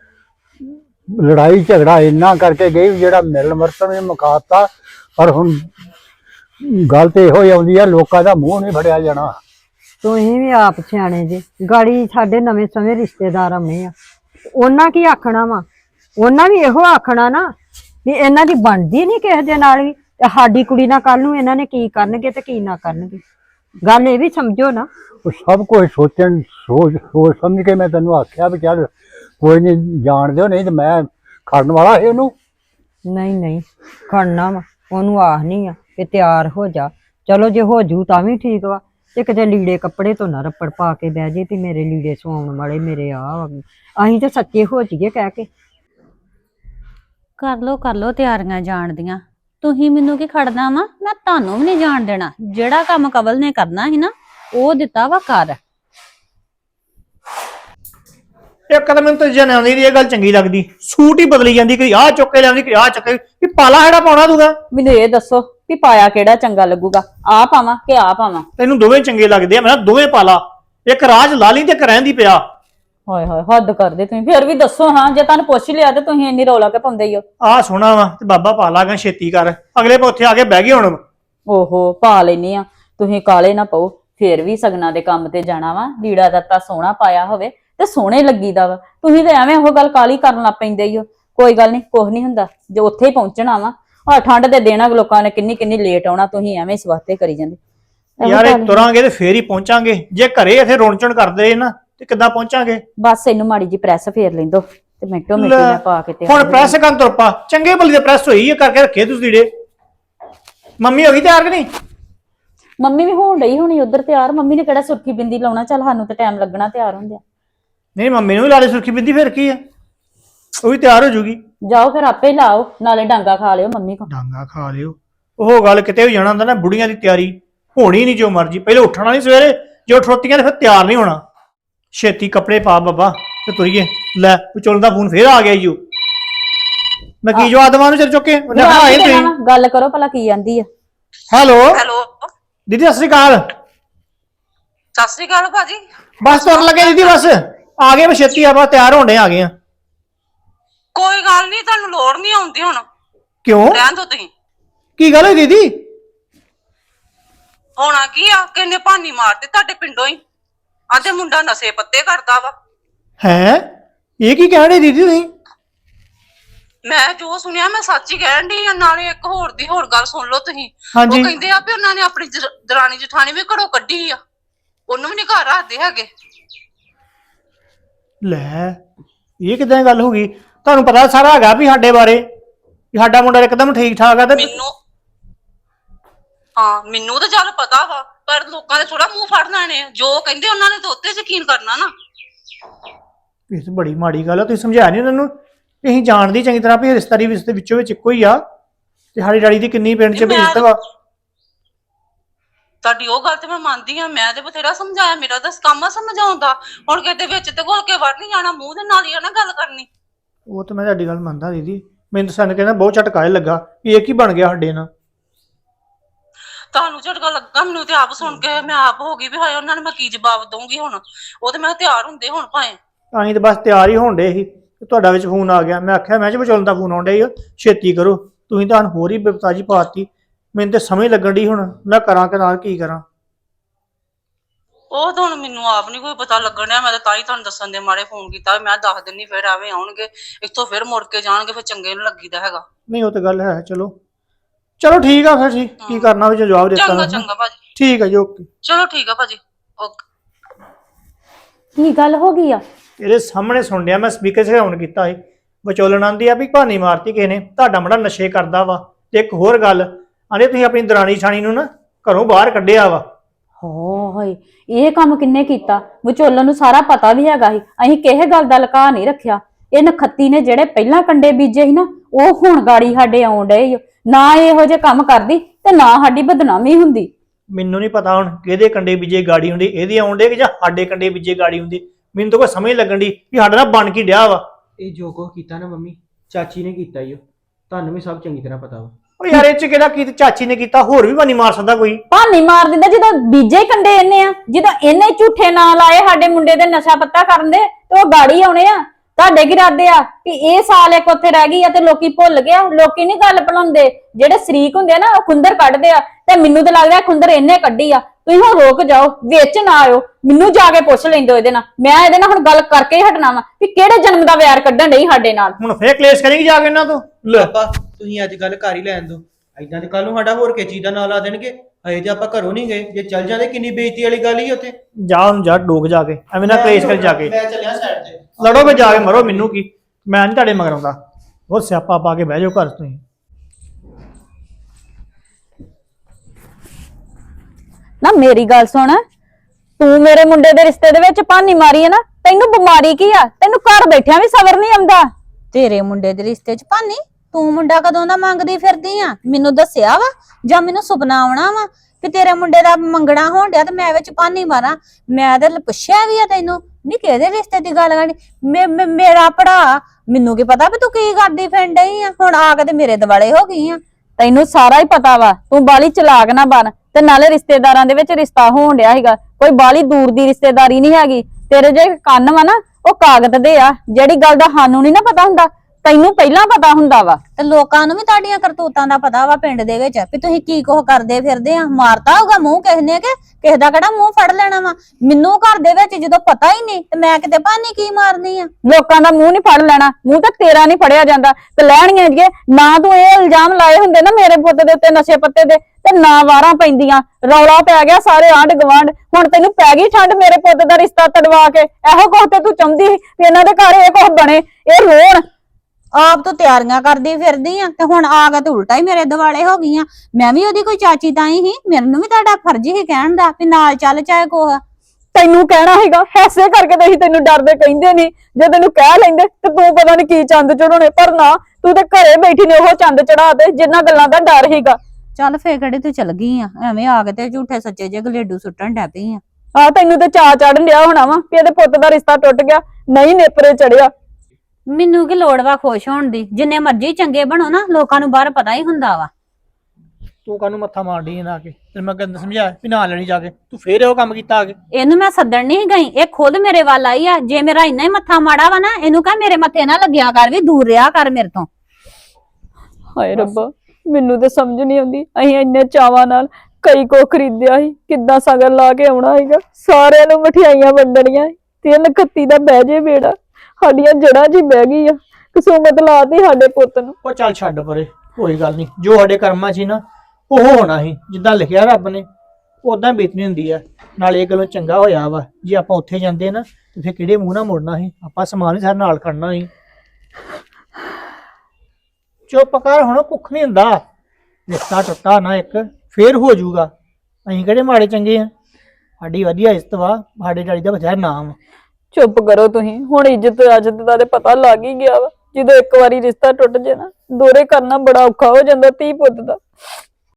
ਲੜਾਈ ਝਗੜਾ ਇੰਨਾ ਕਰਕੇ ਗਈ ਵੀ ਜਿਹੜਾ ਮਿਲਣ ਵਰਤਣ ਨੇ ਮੁਕਾਤਾ। ਪਰ ਹੁਣ ਗੱਲ ਤੇ ਇਹੋ ਹੀ ਆਉਂਦੀ ਆ, ਲੋਕਾਂ ਦਾ ਮੂੰਹ ਨਹੀਂ ਫੜਿਆ ਜਾਣਾ।
ਤੁਸੀਂ ਵੀ ਆਪ ਸਿਆਣੇ ਜੇ, ਗਾੜੀ ਸਾਡੇ ਨਵੇਂ ਸਮੇਂ ਰਿਸ਼ਤੇਦਾਰ ਆਉਣੇ ਆ, ਉਹਨਾਂ ਕੀ ਆਖਣਾ ਵਾ? ਉਹਨਾਂ ਵੀ ਇਹੋ ਆਖਣਾ ਨਾ ਵੀ ਇਹਨਾਂ ਦੀ ਬਣਦੀ ਨਹੀਂ ਕਿਸੇ ਦੇ ਨਾਲ ਵੀ, ਤੇ ਸਾਡੀ ਕੁੜੀ ਨਾਲ ਕੱਲ ਨੂੰ ਇਹਨਾਂ ਨੇ ਕੀ ਕਰਨਗੇ ਤੇ ਕੀ ਨਾ ਕਰਨਗੇ। ਗੱਲ ਇਹ ਵੀ ਸਮਝੋ ਨਾ।
ਉਹ ਸਭ ਕੁਝ ਸੋਚਣ ਸੋਚ ਸੋਚ ਸਮਝ ਕੇ ਮੈਂ ਤੈਨੂੰ ਆਖਿਆ ਵੀ ਚੱਲ ਕੋਈ ਨਹੀਂ ਜਾਣ ਦਿਓ, ਨਹੀਂ ਤੇ ਮੈਂ ਖੜਨ ਵਾਲਾ ਸੀ ਉਹਨੂੰ।
ਨਹੀਂ ਨਹੀਂ ਖੜਨਾ ਵਾ, ਉਹਨੂੰ ਆਖ ਨਹੀਂ ਆ ਕਿ ਤਿਆਰ ਹੋ ਜਾ। ਚਲੋ ਜੇ ਹੋ ਜੂ ਤਾਂ ਵੀ ਠੀਕ ਵਾ, ਤੇ ਕਿਤੇ ਲੀੜੇ ਕੱਪੜੇ ਤੋਂ ਨਾ ਰੱਪੜ ਪਾ ਕੇ ਬਹਿ ਜੇ ਵੀ ਮੇਰੇ ਲੀੜੇ ਸਵਾਉਣ ਵਾਲੇ ਮੇਰੇ ਆ। ਅਸੀਂ ਤੇ ਸੱਚੇ ਹੋ ਜਾਈਏ ਕਹਿ ਕੇ।
ਕਰ ਲੋ ਕਰ ਲੋ ਤਿਆਰੀਆਂ ਜਾਣ ਦੀਆਂ। ਤੁਸੀਂ ਮੈਨੂੰ ਕੀ ਖੜਨਾ ਵਾ? ਮੈਂ ਤੁਹਾਨੂੰ ਵੀ ਨਹੀਂ ਜਾਣ ਦੇਣਾ। ਜਿਹੜਾ ਕੰਮ ਕਵਲ ਨੇ ਕਰਨਾ ਸੀ ਨਾ, ਉਹ ਦਿੱਤਾ ਵਾ ਕਰ।
ਇੱਕ ਤਾਂ ਮੈਨੂੰ ਤਾਂ ਜਨਾਨੀ ਦੀ ਇਹ ਗੱਲ ਚੰਗੀ ਲੱਗਦੀ, ਸੂਟ ਹੀ ਬਦਲੀ ਜਾਂਦੀ, ਕਿ ਆਹ ਚੁੱਕ ਕੇ ਲਿਆਉਂਦੀ, ਕਿ ਆਹ ਚੁੱਕ ਕੇ, ਕਿ ਪਾਲਾ ਜਿਹੜਾ ਪਾਉਣਾ ਤੂਗਾ।
ਮੈਨੂੰ ਇਹ ਦੱਸੋ ਵੀ ਪਾਇਆ ਕਿਹੜਾ ਚੰਗਾ ਲੱਗੂਗਾ, ਆ ਪਾਵਾਂ ਕਿ ਆ ਪਾਵਾਂ?
ਤੈਨੂੰ ਦੋਵੇਂ ਚੰਗੇ ਲੱਗਦੇ ਆ, ਮੈਂ ਕਿਹਾ ਦੋਵੇਂ ਪਾਲਾ, ਇੱਕ ਰਾਜ ਲਾ ਲਈ ਤੇ ਇੱਕ ਰਹਿੰਦੀ ਪਿਆ।
ਹਾਏ ਹਾਏ ਹੱਦ ਕਰਦੇ ਤੁਸੀਂ। ਫਿਰ ਵੀ ਦੱਸੋ ਹਾਂ, ਜੇ ਤੁਹਾਨੂੰ ਪੁੱਛ ਲਿਆ ਤੇ ਤੁਸੀਂ ਇੰਨੀ ਰੌਲਾ ਕੇ ਪਾਉਂਦੇ ਹੀ ਹੋ।
ਆਹ ਸੋਹਣਾ ਵਾ ਤੇ ਬਾਬਾ ਪਾ ਲਾਗਾ, ਛੇਤੀ ਕਰ, ਅਗਲੇ ਪਾ ਉੱਥੇ ਆ ਕੇ ਬਹਿ ਗਏ ਹੁਣ।
ਓਹੋ ਪਾ ਲੈਨੀ ਆ, ਤੁਸੀਂ ਕਾਲੇ ਨਾ ਪਾਓ। ਫੇਰ ਵੀ ਸਗਨਾਂ ਦੇ ਕੰਮ ਤੇ ਜਾਣਾ ਵਾ, ਲੀੜਾ ਦਿੱਤਾ ਸੋਹਣਾ ਪਾਇਆ ਹੋਵੇ ਤੇ ਸੋਹਣੇ ਲੱਗੀਦਾ ਵਾ। ਤੁਸੀਂ ਤੇ ਐਵੇਂ ਉਹ ਗੱਲ ਕਾਲੀ ਕਰਨ ਲੱਗ ਪੈਂਦੇ ਹੀ ਹੋ। ਕੋਈ ਗੱਲ ਨਹੀਂ, ਕੁਛ ਨਹੀਂ ਹੁੰਦਾ, ਜੇ ਉੱਥੇ ਹੀ ਪਹੁੰਚਣਾ ਵਾ। ਆ ਠੰਡ ਦੇ ਦਿਨ ਲੋਕਾਂ ਨੇ ਕਿੰਨੀ ਕਿੰਨੀ ਲੇਟ ਆਉਣਾ, ਤੁਸੀਂ ਐਵੇਂ ਸਵਾਤੇ ਕਰੀ ਜਾਂਦੇ।
ਯਾਰ ਇਹ ਤੁਰਾਂਗੇ ਤੇ ਫੇਰ ਹੀ ਪਹੁੰਚਾਂਗੇ, ਜੇ ਘਰੇ ਇੱਥੇ ਰੋਣਚਣ ਕਰਦੇ ਨਾ ਤੇ ਕਿੱਦਾਂ ਪਹੁੰਚਾਂਗੇ?
ਬਸ ਇਹਨੂੰ ਮਾੜੀ ਜੀ ਪ੍ਰੈਸ ਫੇਰ ਲੈਂਦੋ ਤੇ ਮਿੰਟੋ ਮਿੰਟੀ ਮੈਂ ਪਾ ਕੇ ਤੇ
ਹੁਣ ਪ੍ਰੈਸ ਕਰਨ ਤੁਰ ਪਾ, ਚੰਗੇ ਭਲੀ ਦੇ ਪ੍ਰੈਸ ਹੋਈ ਹੈ, ਕਰਕੇ ਰੱਖੇ ਤੁਸੀਂ ਲੀੜੇ। ਮੰਮੀ ਹੋ ਗਈ ਤਿਆਰ ਕਿ ਨਹੀਂ?
ਮੰਮੀ ਵੀ ਹੋਣ ਡਈ ਹੋਣੀ ਉਧਰ ਤਿਆਰ। ਮੰਮੀ ਨੇ ਕਿਹੜਾ ਸੁਰਖੀ ਬਿੰਦੀ ਲਾਉਣਾ, ਚੱਲ ਸਾਨੂੰ ਤੇ ਟਾਈਮ ਲੱਗਣਾ ਤਿਆਰ ਹੁੰਦਿਆਂ।
ਨਹੀਂ ਮੰਮੀ ਨੂੰ ਵੀ ਲਾ ਦੇ ਸੁਰਖੀ ਬਿੰਦੀ, ਫਿਰ ਕੀ ਆ, ਉਹ ਵੀ ਤਿਆਰ ਹੋ ਜੂਗੀ।
ਜਾਓ ਫਿਰ ਆਪੇ ਲਾਓ, ਨਾਲੇ ਡਾਂਗਾ ਖਾ ਲਿਓ ਮੰਮੀ ਕੋ।
ਡਾਂਗਾ ਖਾ ਲਿਓ, ਉਹ ਗੱਲ ਕਿਤੇ ਵੀ ਜਾਣਾ ਹੁੰਦਾ ਨਾ, ਬੁੜੀਆਂ ਦੀ ਤਿਆਰੀ ਹੋਣੀ ਨਹੀਂ ਜੋ ਮਰਜੀ। ਪਹਿਲੇ ਉੱਠਣਾ ਨਹੀਂ ਸਵੇਰੇ, ਜੇ ਉੱਠੋਤੀਆਂ ਤੇ ਫਿਰ ਤਿਆਰ ਨਹੀਂ ਹੋਣਾ। ਛੇਤੀ ਕੱਪੜੇ ਪਾ ਬਾਬਾ ਤੇ ਤੁਰੀਏ। ਲੈ ਵਿਚੋਲ ਦਾ ਫੋਨ ਫੇਰ ਆ ਗਿਆ ਈਓ। ਮੈਂ ਕੀ ਜਵਾਬ ਦੇਵਾਂ ਉਹਨੂੰ ਚਿਰ ਚੁੱਕ ਕੇ? ਉਹਨੇ
ਜਵਾਬ
ਆਏ
ਕੀ
ਤੁਸੀਂ।
ਦੇਣਾ ਵਾ? ਗੱਲ ਕਰੋ ਭਲਾ ਕੀ ਆਂਦੀ ਆ।
ਹੈਲੋ
ਹੈਲੋ
ਦੀਦੀ, ਸਤਿ ਸ਼੍ਰੀ ਅਕਾਲ।
ਸਤਿ ਸ੍ਰੀ ਅਕਾਲ ਭਾਜੀ।
ਬਸ ਤੁਰਨ ਲੱਗੇ ਦੀਦੀ, ਬਸ ਆ ਗਏ, ਮੈਂ ਛੇਤੀ ਆ, ਬਸ ਤਿਆਰ ਹੋਣੇ ਆ ਗਏ ਆ।
ਕੋਈ ਗੱਲ ਨਹੀਂ, ਤੁਹਾਨੂੰ ਲੋੜ ਨਹੀਂ ਆਉਂਦੀ ਹੁਣ,
ਕਿਉਂ?
ਰਹਿਣ ਦੋ ਤੁਸੀਂ।
ਕੀ ਗੱਲ ਹੈ ਦੀਦੀ?
ਹੋਣਾ ਕੀ ਆ, ਕਿੰਨੇ ਭਾਨੀ ਮਾਰਦੇ ਤੁਹਾਡੇ ਪਿੰਡੋਂ ਹੀ। ਆਂਦੇ ਮੁੰਡਾ ਨਸ਼ੇ ਪੱਤੇ ਕਰਦਾ ਵਾ।
ਹੈ ਇਹ ਕੀ ਕਹਿ ਰਹੇ ਦੀਦੀ ਤੁਸੀਂ?
ਮੈਂ ਜੋ ਸੁਣਿਆ ਮੈਂ ਸੱਚ ਹੀ ਕਹਿਣ ਡਈ ਆ। ਨਾਲੇ ਇੱਕ ਹੋਰ ਦੀ ਹੋਰ ਗੱਲ ਸੁਣ ਲਓ ਤੁਸੀਂ।
ਹਾਂਜੀ।
ਉਹ ਕਹਿੰਦੇ ਆ ਵੀ ਉਹਨਾਂ ਨੇ ਆਪਣੀ ਦਰ- ਦਰਾਣੀ ਜਠਾਣੀ ਵੀ ਘਰੋਂ ਕੱਢੀ ਆ, ਉਹਨੂੰ ਵੀ ਨਹੀਂ ਘਰ ਰੱਖਦੇ ਹੈਗੇ।
ਲੈ ਇਹ ਕਿਦਾਂ ਗੱਲ ਹੋ ਗਈ? ਤੁਹਾਨੂੰ ਪਤਾ ਸਾਰਾ ਹੈਗਾ ਵੀ ਸਾਡੇ ਬਾਰੇ, ਵੀ ਸਾਡਾ ਮੁੰਡਾ ਇੱਕਦਮ ਠੀਕ ਠਾਕ ਆ ਤੇ
ਮੈਨੂੰ ਹਾਂ ਮੈਨੂੰ ਤਾਂ ਚੱਲ ਪਤਾ ਵਾ, ਪਰ ਲੋਕਾਂ ਦੇ ਥੋੜਾ ਮੂੰਹ ਫੜ ਲੈਣੇ ਆ। ਜੋ ਕਹਿੰਦੇ ਉਹਨਾਂ ਨੇ ਤਾਂ ਉੱਤੇ ਯਕੀਨ ਕਰਨਾ ਨਾ।
ਇਹ ਤਾਂ ਬੜੀ ਮਾੜੀ ਗੱਲ ਆ। ਤੁਸੀਂ ਸਮਝਾਇਆ ਨਹੀਂ ਉਹਨਾਂ ਨੂੰ ਕਿ ਅਸੀਂ ਜਾਣਦੇ ਚੰਗੀ ਤਰ੍ਹਾਂ ਵੀ ਰਿਸ਼ਤੇਦਾਰੀ ਵਿੱਚ ਵਿੱਚੋਂ ਵਿੱਚ ਇੱਕੋ ਹੀ ਆ, ਤੇ ਸਾਡੀ ਡੈਡੀ ਦੀ ਕਿੰਨੀ ਪਿੰਡ 'ਚ ਵੀ ਇੱਜ਼ਤ ਵਾ।
ਤੁਹਾਡੀ ਉਹ ਗੱਲ ਤੇ ਮੈਂ ਮੰਨਦੀ ਆ, ਮੈਂ ਤੇ ਬਥੇਰਾ ਸਮਝਾਇਆ, ਮੇਰਾ ਤਾਂ ਕੰਮ ਆ ਸਮਝਾਉਂਦਾ। ਹੁਣ ਕਿਤੇ ਵਿੱਚ ਤੇ ਘੁਲ ਕੇ ਵੜ ਨਹੀਂ ਜਾਣਾ, ਮੂੰਹ ਦੇ ਨਾਲ ਹੀ ਆ ਨਾ ਗੱਲ ਕਰਨੀ।
ਉਹ ਤਾਂ ਮੈਂ ਤੁਹਾਡੀ ਗੱਲ ਮੰਨਦਾ ਦੀਦੀ, ਮੈਨੂੰ ਤਾਂ ਸਾਨੂੰ ਕਹਿੰਦਾ ਬਹੁਤ ਝਟਕਾ ਲੱਗਾ ਵੀ ਇਹ ਕੀ ਬਣ ਗਿਆ ਸਾਡੇ ਨਾਲ।
ਤੁਹਾਨੂੰ ਝਟਕਾ ਲੱਗਾ, ਮੈਨੂੰ ਤੇ ਆਪ ਸੁਣ ਕੇ ਮੈਂ ਆਪ ਹੋ ਗਈ ਵੀ ਹਾਏ ਉਹਨਾਂ ਨੂੰ ਮੈਂ ਕੀ ਜਵਾਬ ਦਊਂਗੀ ਹੁਣ। ਉਹ ਤੇ ਮੈਂ ਤਿਆਰ ਹੁੰਦੇ ਹੁਣ ਭਾਵੇਂ।
ਅਸੀਂ ਤਾਂ ਬਸ ਤਿਆਰ ਹੀ ਹੋਣ ਡੇ ਸੀ ਤੇ ਤੁਹਾਡਾ ਵਿੱਚ ਫੋਨ ਆ ਗਿਆ। ਮੈਂ ਆਖਿਆ ਮੈਂ ਚ ਵਿਚੋਲਣ ਦਾ ਫੋਨ ਆਉਣ ਡਿਆ ਈ ਆ, ਛੇਤੀ ਕਰੋ। ਤੁਸੀਂ ਤਾਂ ਹੋਰ ਹੀ ਬਿਪਤਾਜੀ ਪਾਤੀ। ਮੈਨੂੰ ਤੇ ਸਮਝ ਲੱਗਣ ਡਈ ਹੁਣ ਮੈਂ ਕਰਾਂ ਕਿ ਨਾ ਕੀ ਕਰਾਂ।
ਉਹ ਤਾਂ ਹੁਣ ਮੈਨੂੰ ਆਪ ਨੀ ਕੋਈ ਪਤਾ ਲੱਗਣ ਡਿਆ। ਮੈਂ ਤਾਂ ਤਾਂ ਹੀ ਤੁਹਾਨੂੰ ਦੱਸਣ ਦੇ ਮਾਰੇ ਫੋਨ ਕੀਤਾ। ਮੈਂ ਦੱਸ ਦਿੰਨੀ, ਫਿਰ ਐਵੇਂ ਆਉਣਗੇ ਇੱਥੋਂ ਫਿਰ ਮੁੜ ਕੇ ਜਾਣਗੇ, ਫਿਰ ਚੰਗੇ ਨੀ ਲੱਗੀਦਾ ਹੈਗਾ।
ਨਹੀਂ ਉਹ ਤਾਂ ਗੱਲ ਹੈ। ਚਲੋ ਚਲੋ ਠੀਕ ਆ ਫਿਰ ਜੀ, ਕੀ ਕਰਨਾ ਵਿੱਚ ਜਵਾਬ ਦਿੱਤਾ
ਚੰਗਾ
ਮੈਂ।
ਚੰਗਾ ਭਾਜੀ,
ਠੀਕ ਆ ਜੀ, ਓਕੇ।
ਚਲੋ ਠੀਕ ਆ ਭਾਜੀ, ਓਕੇ।
ਕੀ ਗੱਲ ਹੋ ਗਈ ਆ?
ਇਹਦੇ ਸਾਹਮਣੇ ਸੁਣ ਡਿਆ ਮੈਂ, ਸਪੀਕਰ 'ਚ ਔਨ ਕੀਤਾ ਸੀ। ਵਿਚੋਲਣ ਆਂਦੀ ਆ ਵੀ ਭਾਨੀ ਮਾਰਤੀ ਕਿਸੇ ਨੇ, ਤੁਹਾਡਾ ਮੁੰਡਾ ਨਸ਼ੇ ਕਰਦਾ ਵਾ। ਤੇ ਇੱਕ ਹੋਰ ਗੱਲ ਆਂਦੇ ਤੁਸੀਂ ਆਪਣੀ ਦਰਾਣੀ ਛਾਣੀ ਨੂੰ ਨਾ ਘਰੋਂ ਬਾਹਰ ਕੱਢਿਆ ਵਾ।
ਹੋਏ, ਇਹ ਕੰਮ ਕਿੰਨੇ ਕੀਤਾ? ਵਿਚੋਲਨ ਨੂੰ ਸਾਰਾ ਪਤਾ ਵੀ ਹੈਗਾ ਸੀ। ਅਸੀਂ ਕਿਸੇ ਗੱਲ ਦਾ ਲੁਕਾ ਨਹੀਂ ਰੱਖਿਆ। ਇਹ ਨਖੱਤੀ ਨੇ ਜਿਹੜੇ ਪਹਿਲਾਂ ਕੰਡੇ ਬੀਜੇ ਸੀ ਨਾ, ਉਹ ਹੁਣ ਗਾੜੀ ਸਾਡੇ ਆਉਣ ਡਏ। ਨਾ ਇਹੋ ਜਿਹੇ ਕੰਮ ਕਰਦੀ ਤੇ ਨਾ ਸਾਡੀ ਬਦਨਾਮੀ ਹੁੰਦੀ।
ਮੈਨੂੰ ਨਹੀਂ ਪਤਾ ਹੁਣ ਕਿਹਦੇ ਕੰਡੇ ਬੀਜੇ ਗਾੜੀ ਹੁੰਦੀ, ਇਹਦੇ ਆਉਂਦੇ ਕਿ ਜਾਂ ਸਾਡੇ ਕੰਡੇ ਬੀਜੇ ਗਾੜੀ ਹੁੰਦੀ। ਮੈਨੂੰ ਤਾਂ ਕੋਈ ਸਮਝ ਲੱਗਣ ਦੀ ਵੀ ਸਾਡਾ ਨਾਲ ਬਣ ਕੀ ਡਿਆ ਵਾ।
ਇਹ ਜੋ ਕੁਛ ਕੀਤਾ ਨਾ ਮੰਮੀ, ਚਾਚੀ ਨੇ ਕੀਤਾ ਈ ਓ। ਤੁਹਾਨੂੰ ਵੀ ਸਭ ਚੰਗੀ ਤਰ੍ਹਾਂ ਪਤਾ ਵਾ।
ਉਹ ਯਾਰ ਇਹ ਚ ਕਿਹੜਾ ਕੀ ਚਾਚੀ ਨੇ ਕੀਤਾ, ਹੋਰ ਵੀ ਭਾਨੀ ਮਾਰ ਸਕਦਾ ਕੋਈ।
ਭਾਨੀ ਮਾਰ ਦਿੰਦਾ ਜਦੋਂ ਬੀਜੇ ਹੀ ਕੰਡੇ ਇਹਨੇ ਆ। ਜਦੋਂ ਇਹਨੇ ਝੂਠੇ ਨਾਂ ਲਾਏ ਸਾਡੇ ਮੁੰਡੇ ਦੇ ਨਸ਼ਾ ਪੱਤਾ ਕਰਨ ਦੇ, ਤੇ ਉਹ ਗਾੜੀ ਆਉਣੇ ਆ। ਤੁਹਾਡੇ ਕੀ ਇਰਾਦੇ ਆ ਕਿ ਇਹ ਸਾਲ ਇੱਕ ਉੱਥੇ ਰਹਿ ਗਈ ਆ ਤੇ ਲੋਕੀ ਭੁੱਲ ਗਿਆ? ਲੋਕੀ ਨਹੀਂ ਗੱਲ ਭੁਲਾਉਂਦੇ, ਜਿਹੜੇ ਸ਼ਰੀਕ ਹੁੰਦੇ ਆ ਨਾ ਉਹ ਖੁੰਦਰ ਕੱਢਦੇ ਆ। ਤੇ ਮੈਨੂੰ ਤਾਂ ਲੱਗਦਾ ਖੁੰਦਰ ਇਹਨੇ ਕੱਢੀ ਆ। ਤੁਸੀਂ ਹੁਣ ਰੁਕ ਜਾਓ, ਵਿੱਚ ਨਾ ਆਇਓ। ਮੈਨੂੰ ਜਾ ਕੇ ਪੁੱਛ ਲੈਂਦੋ ਇਹਦੇ ਨਾਲ। ਮੈਂ ਇਹਦੇ ਨਾਲ ਹੁਣ ਗੱਲ ਕਰਕੇ ਹੀ ਹਟਣਾ ਵਾ ਵੀ ਕਿਹੜੇ ਜਨਮ ਦਾ ਵੈਰ ਕੱਢਣ ਡਈ ਸਾਡੇ ਨਾਲ।
ਹੁਣ ਫੇਰ ਕਲੇਸ਼ ਕਰੇਗੀ ਜਾ ਕੇ ਇਹਨਾਂ ਤੋਂ। ਲੈ
ਪਾਪਾ ਤੁਸੀਂ ਅੱਜ ਗੱਲ ਕਰ ਹੀ ਲੈਣ ਦੋ। ਏਦਾਂ ਤੇ ਕੱਲ ਨੂੰ ਸਾਡਾ ਹੋਰ ਕਿਸੇ ਚੀਜ਼ ਦਾ ਨਾਂ ਲਾ ਦੇਣਗੇ। ਹਜੇ ਤੇ ਆਪਾਂ ਘਰੋਂ ਨਹੀਂ ਗਏ, ਜੇ ਚੱਲ ਜਾਂਦੇ ਕਿੰਨੀ ਬੇਇੱਜ਼ਤੀ ਵਾਲੀ ਗੱਲ ਹੀ ਉੱਥੇ।
ਜਾ ਹੁਣ ਜਾ ਡੋਗ ਜਾ ਕੇ, ਐਵੇਂ ਨਾ ਕਲੇਸ਼ ਕਰ ਜਾ ਕੇ।
ਮੈਂ ਚੱਲਿਆ ਸਾਈਡ ਤੇ।
ਲੜੋਗੇ ਜਾ ਕੇ ਮਰੋ, ਮੈਨੂੰ ਕੀ। ਮੈਂ ਨਹੀਂ ਤੁਹਾਡੇ ਮਗਰ ਆਉਂਦਾ। ਬਹੁਤ ਸਿਆਪਾ ਪਾ ਕੇ ਬਹਿ ਜਾਓ ਘਰ ਤੁਸੀਂ।
ਨਾ ਮੇਰੀ ਗੱਲ ਸੁਣ, ਤੂੰ ਮੇਰੇ ਮੁੰਡੇ ਦੇ ਰਿਸ਼ਤੇ ਦੇ ਵਿੱਚ ਭਾਨੀ ਮਾਰੀ ਹੈ ਨਾ। ਤੈਨੂੰ ਬਿਮਾਰੀ ਕੀ ਆ? ਤੈਨੂੰ ਘਰ ਬੈਠਿਆਂ ਵੀ ਸਬਰ ਨਹੀਂ ਆਉਂਦਾ।
ਤੇਰੇ ਮੁੰਡੇ ਦੇ ਰਿਸ਼ਤੇ 'ਚ ਭਾਨੀ ਤੂੰ ਮੁੰਡਾ ਕਦੋਂ ਦਾ ਮੰਗਦੀ ਫਿਰਦੀ ਆ? ਮੈਨੂੰ ਦੱਸਿਆ ਵਾ ਜਾਂ ਮੈਨੂੰ ਸੁਪਨਾ ਆਉਣਾ ਵਾ ਕਿ ਤੇਰੇ ਮੁੰਡੇ ਦਾ ਮੰਗਣਾ ਹੋਣ ਡਿਆ ਤੇ ਮੈਂ ਵਿੱਚ ਭਾਨੀ ਮਾਰਾਂ? ਮੈਂ ਤੇ ਪੁੱਛਿਆ ਵੀ ਆ ਤੈਨੂੰ, ਨਹੀਂ ਕਿਹਦੇ ਰਿਸ਼ਤੇ ਦੀ ਗੱਲ ਕਰਨੀ? ਮੇ- ਮੇ- ਮੇਰਾ ਭਰਾ, ਮੈਨੂੰ ਕੀ ਪਤਾ ਵੀ ਤੂੰ ਕੀ ਕਰਦੀ ਫਿਰਨ ਡਈ ਆ? ਹੁਣ ਆ ਕੇ ਤੇ ਮੇਰੇ ਦਿਵਾਲੇ ਹੋ ਗਈ ਆ।
ਤੈਨੂੰ ਸਾਰਾ ਹੀ ਪਤਾ ਵਾ, ਤੂੰ ਬਾਲੀ ਚਲਾਕ ਨਾ ਬਣ। ਤੇ ਨਾਲੇ ਰਿਸ਼ਤੇਦਾਰਾਂ ਦੇ ਵਿੱਚ ਰਿਸ਼ਤਾ ਹੋਣ ਡਿਆ ਸੀਗਾ, ਕੋਈ ਬਾਲੀ ਦੂਰ ਦੀ ਰਿਸ਼ਤੇਦਾਰੀ ਨਹੀਂ ਹੈਗੀ। ਤੇਰੇ ਜੇ ਕੰਨ ਵਾ ਨਾ ਉਹ ਕਾਗਜ਼ ਦੇ ਆ। ਜਿਹੜੀ ਗੱਲ ਦਾ ਸਾਨੂੰ ਨਹੀਂ ਨਾ ਪਤਾ ਹੁੰਦਾ, ਤੈਨੂੰ ਪਹਿਲਾਂ ਪਤਾ ਹੁੰਦਾ ਵਾ।
ਤੇ ਲੋਕਾਂ ਨੂੰ ਵੀ ਤੁਹਾਡੀਆਂ ਕਰਤੂਤਾਂ ਦਾ ਪਤਾ ਵਾ ਪਿੰਡ ਦੇ ਵਿੱਚ ਵੀ ਤੁਸੀਂ ਕੀ ਕੁਝ ਕਰਦੇ ਫਿਰਦੇ ਆ। ਮਾਰਤਾ ਹੋਊਗਾ ਮੂੰਹ ਕਿਸੇ ਨੇ ਕਿ ਕਿਸੇ ਦਾ ਕਿਹੜਾ ਮੂੰਹ ਫੜ ਲੈਣਾ ਵਾ? ਮੈਨੂੰ ਘਰ ਦੇ ਵਿੱਚ ਜਦੋਂ ਪਤਾ ਹੀ ਨਹੀਂ ਤੇ ਮੈਂ ਕਿਤੇ ਭਾਨੀ ਕੀ ਮਾਰਨੀ ਆ?
ਲੋਕਾਂ ਦਾ ਮੂੰਹ ਨਹੀਂ ਫੜ ਲੈਣਾ, ਮੂੰਹ ਤਾਂ ਤੇਰਾ ਨਹੀਂ ਫੜਿਆ ਜਾਂਦਾ। ਤੇ ਲੈਣੀਆਂ ਜੀ ਨਾ ਤੂੰ ਇਹ ਇਲਜ਼ਾਮ ਲਾਏ ਹੁੰਦੇ ਨਾ ਮੇਰੇ ਪੁੱਤ ਦੇ ਉੱਤੇ ਨਸ਼ੇ ਪੱਤੇ ਦੇ, ਤੇ ਨਾ ਵਾਰਾਂ ਪੈਂਦੀਆਂ। ਰੌਲਾ ਪੈ ਗਿਆ ਸਾਰੇ ਆਂਢ ਗੁਆਂਢ। ਹੁਣ ਤੈਨੂੰ ਪੈ ਗਈ ਠੰਡ ਮੇਰੇ ਪੁੱਤ ਦਾ ਰਿਸ਼ਤਾ ਤੜਵਾ ਕੇ। ਇਹੋ ਕੁਛ ਤੇ ਤੂੰ ਚਾਹੁੰਦੀ ਸੀ ਵੀ ਇਹਨਾਂ ਦੇ ਘਰ ਇਹ ਕੁਛ ਬਣੇ, ਇਹ ਰੋਣ।
ਆਪ ਤੂੰ ਤਿਆਰੀਆਂ ਕਰਦੀ ਫਿਰਦੀ ਆ ਤੇ ਹੁਣ ਆ ਕੇ ਤੇ ਉਲਟਾ ਹੀ ਮੇਰੇ ਦਿਵਾਲੇ ਹੋ ਗਈ ਆ। ਮੈਂ ਵੀ ਉਹਦੀ ਕੋਈ ਚਾਚੀ ਤਾਈ ਹੀ, ਮੈਨੂੰ ਵੀ ਤੁਹਾਡਾ ਫਰਜ਼ ਹੀ ਕਹਿਣ ਦਾ ਵੀ ਨਾਲ ਚੱਲ ਚਾਹੇ ਕੋਹ।
ਤੈਨੂੰ ਕਹਿਣਾ ਹੈਗਾ ਐਸੇ ਕਰਕੇ ਤੇ ਅਸੀਂ ਤੈਨੂੰ ਡਰਦੇ ਕਹਿੰਦੇ ਨਹੀਂ। ਜੇ ਤੈਨੂੰ ਕਹਿ ਲੈਂਦੇ ਤੇ ਤੂੰ ਪਤਾ ਨਹੀਂ ਕੀ ਚੰਦ ਚੜਾਉਣੇ, ਪਰ ਨਾ ਤੂੰ ਤੇ ਘਰੇ ਬੈਠੀ ਨੇ ਉਹ ਚੰਦ ਚੜਾ ਦੇ ਜਿੰਨਾ ਗੱਲਾਂ ਦਾ ਡਰ ਹੈਗਾ।
ਚੱਲ ਫੇਰ ਕਿਹੜੇ ਤੂੰ ਚਲ ਗਈ ਆ? ਐਵੇਂ ਆ ਕੇ ਤੇ ਝੂਠੇ ਸੱਚੇ ਜੇ ਗਲੇਡੂ ਸੁੱਟਣ ਡੈ ਪਈ ਆ।
ਆ ਤੈਨੂੰ ਤੇ ਚਾਅ ਚੜਨ ਡਿਆ ਹੋਣਾ ਵਾ ਵੀ ਇਹਦੇ ਪੁੱਤ ਦਾ ਰਿਸ਼ਤਾ ਟੁੱਟ ਗਿਆ, ਨਹੀਂ ਨੇਪਰੇ ਚੜਿਆ।
ਮੈਨੂੰ ਕੀ ਲੋੜ ਵਾ ਖੁਸ਼ ਹੋਣ ਦੀ? ਜਿੰਨੇ ਮਰਜ਼ੀ ਚੰਗੇ ਬਣੋ ਨਾ, ਲੋਕਾਂ ਨੂੰ ਬਾਹਰ ਪਤਾ ਹੀ ਹੁੰਦਾ ਵਾ।
ਤੂੰ ਕਾਹਨੂੰ ਮੱਥਾ ਮਾਰਦੀ ਇਹਨਾਂ ਆ ਕੇ? ਤੈਨੂੰ ਮੈਂ ਕਹਿੰਦਾ ਸਮਝਾਇਆ ਵੀ ਨਾ ਲੈਣੀ ਜਾ ਕੇ, ਤੂੰ ਫੇਰ ਇਹੋ ਕੰਮ ਕੀਤਾ ਆ ਕੇ।
ਇਹਨੂੰ ਮੈਂ ਸੱਦਣ ਨਹੀਂ ਗਈ, ਇਹ ਖੁਦ ਮੇਰੇ ਵੱਲ ਆਈ ਆ। ਜੇ ਮੇਰਾ ਇੰਨਾ ਹੀ ਮੱਥਾ ਮਾੜਾ ਵਾ ਨਾ, ਇਹਨੂੰ ਕਹ ਮੇਰੇ ਮੱਥੇ ਨਾ ਲੱਗਿਆ ਕਰ, ਵੀ ਦੂਰ ਰਿਹਾ ਕਰ ਮੇਰੇ ਤੋਂ।
ਹਾਏ ਰੱਬਾ, ਮੈਨੂੰ ਤੇ ਸਮਝ ਨਹੀਂ ਆਉਂਦੀ। ਅਸੀਂ ਇੰਨੇ ਚਾਵਾਂ ਨਾਲ ਕਈ ਕੋ ਖਰੀਦਿਆ ਸੀ, ਕਿੱਦਾਂ ਸਗਨ ਲਾ ਕੇ ਆਉਣਾ ਹੈਗਾ, ਸਾਰਿਆਂ ਨੂੰ ਮਠਿਆਈਆਂ ਵੰਡਣੀਆਂ ਤੇ ਨਖੱਤੀ ਦਾ ਬਹਿ ਜੇ ਬੇੜਾ ਸਾਡੀਆਂ ਜੜ੍ਹਾਂ 'ਚ ਹੀ ਬਹਿ ਗਈ ਆ। ਕਿਸਮਤ ਲਾਤੀ ਸਾਡੇ ਪੁੱਤ ਨੂੰ।
ਉਹ ਚੱਲ ਛੱਡ ਪਰੇ, ਕੋਈ ਗੱਲ ਨਹੀਂ। ਜੋ ਸਾਡੇ ਕਰਮਾਂ 'ਚ ਸੀ ਨਾ ਉਹ ਹੋਣਾ ਸੀ, ਜਿੱਦਾਂ ਲਿਖਿਆ ਰੱਬ ਨੇ ਉਦਾਂ ਬੀਤਣੀ ਹੁੰਦੀ ਆ। ਨਾਲੇ ਇਹ ਗੱਲੋਂ ਚੰਗਾ ਹੋਇਆ ਵਾ, ਜੇ ਆਪਾਂ ਉੱਥੇ ਜਾਂਦੇ ਨਾ ਤੇ ਫਿਰ ਕਿਹੜੇ ਮੂੰਹ ਨਾਲ ਮੁੜਨਾ ਸੀ? ਆਪਾਂ ਸਮਾਨ ਹੀ ਸਾਰੇ ਨਾਲ ਖੜਨਾ ਸੀ। ਚੁੱਪ ਕਰ, ਹੁਣ ਕੁੱਖ ਨਹੀਂ ਹੁੰਦਾ। ਰਿਸ਼ਤਾ ਟੁੱਟਾ ਨਾ ਇੱਕ, ਫੇਰ ਹੋ ਜਾਊਗਾ। ਅਸੀਂ ਕਿਹੜੇ ਮਾੜੇ ਚੰਗੇ ਆ? ਸਾਡੀ ਵਧੀਆ ਇੱਜ਼ਤ ਵਾ, ਸਾਡੇ ਡੈਡੀ ਦਾ ਬਥੇਰਾ ਨਾਮ।
ਚੁੱਪ ਕਰੋ ਤੁਸੀਂ, ਹੁਣ ਇੱਜ਼ਤ ਇੱਜ਼ਤ ਦਾ ਤੇ ਪਤਾ ਲੱਗ ਹੀ ਗਿਆ ਵਾ। ਜਦੋਂ ਇੱਕ ਵਾਰੀ ਰਿਸ਼ਤਾ ਟੁੱਟ ਜੇ ਨਾ, ਦੋਰੇ ਕਰਨਾ ਬੜਾ ਔਖਾ ਹੋ ਜਾਂਦਾ ਧੀ ਪੁੱਤ ਦਾ।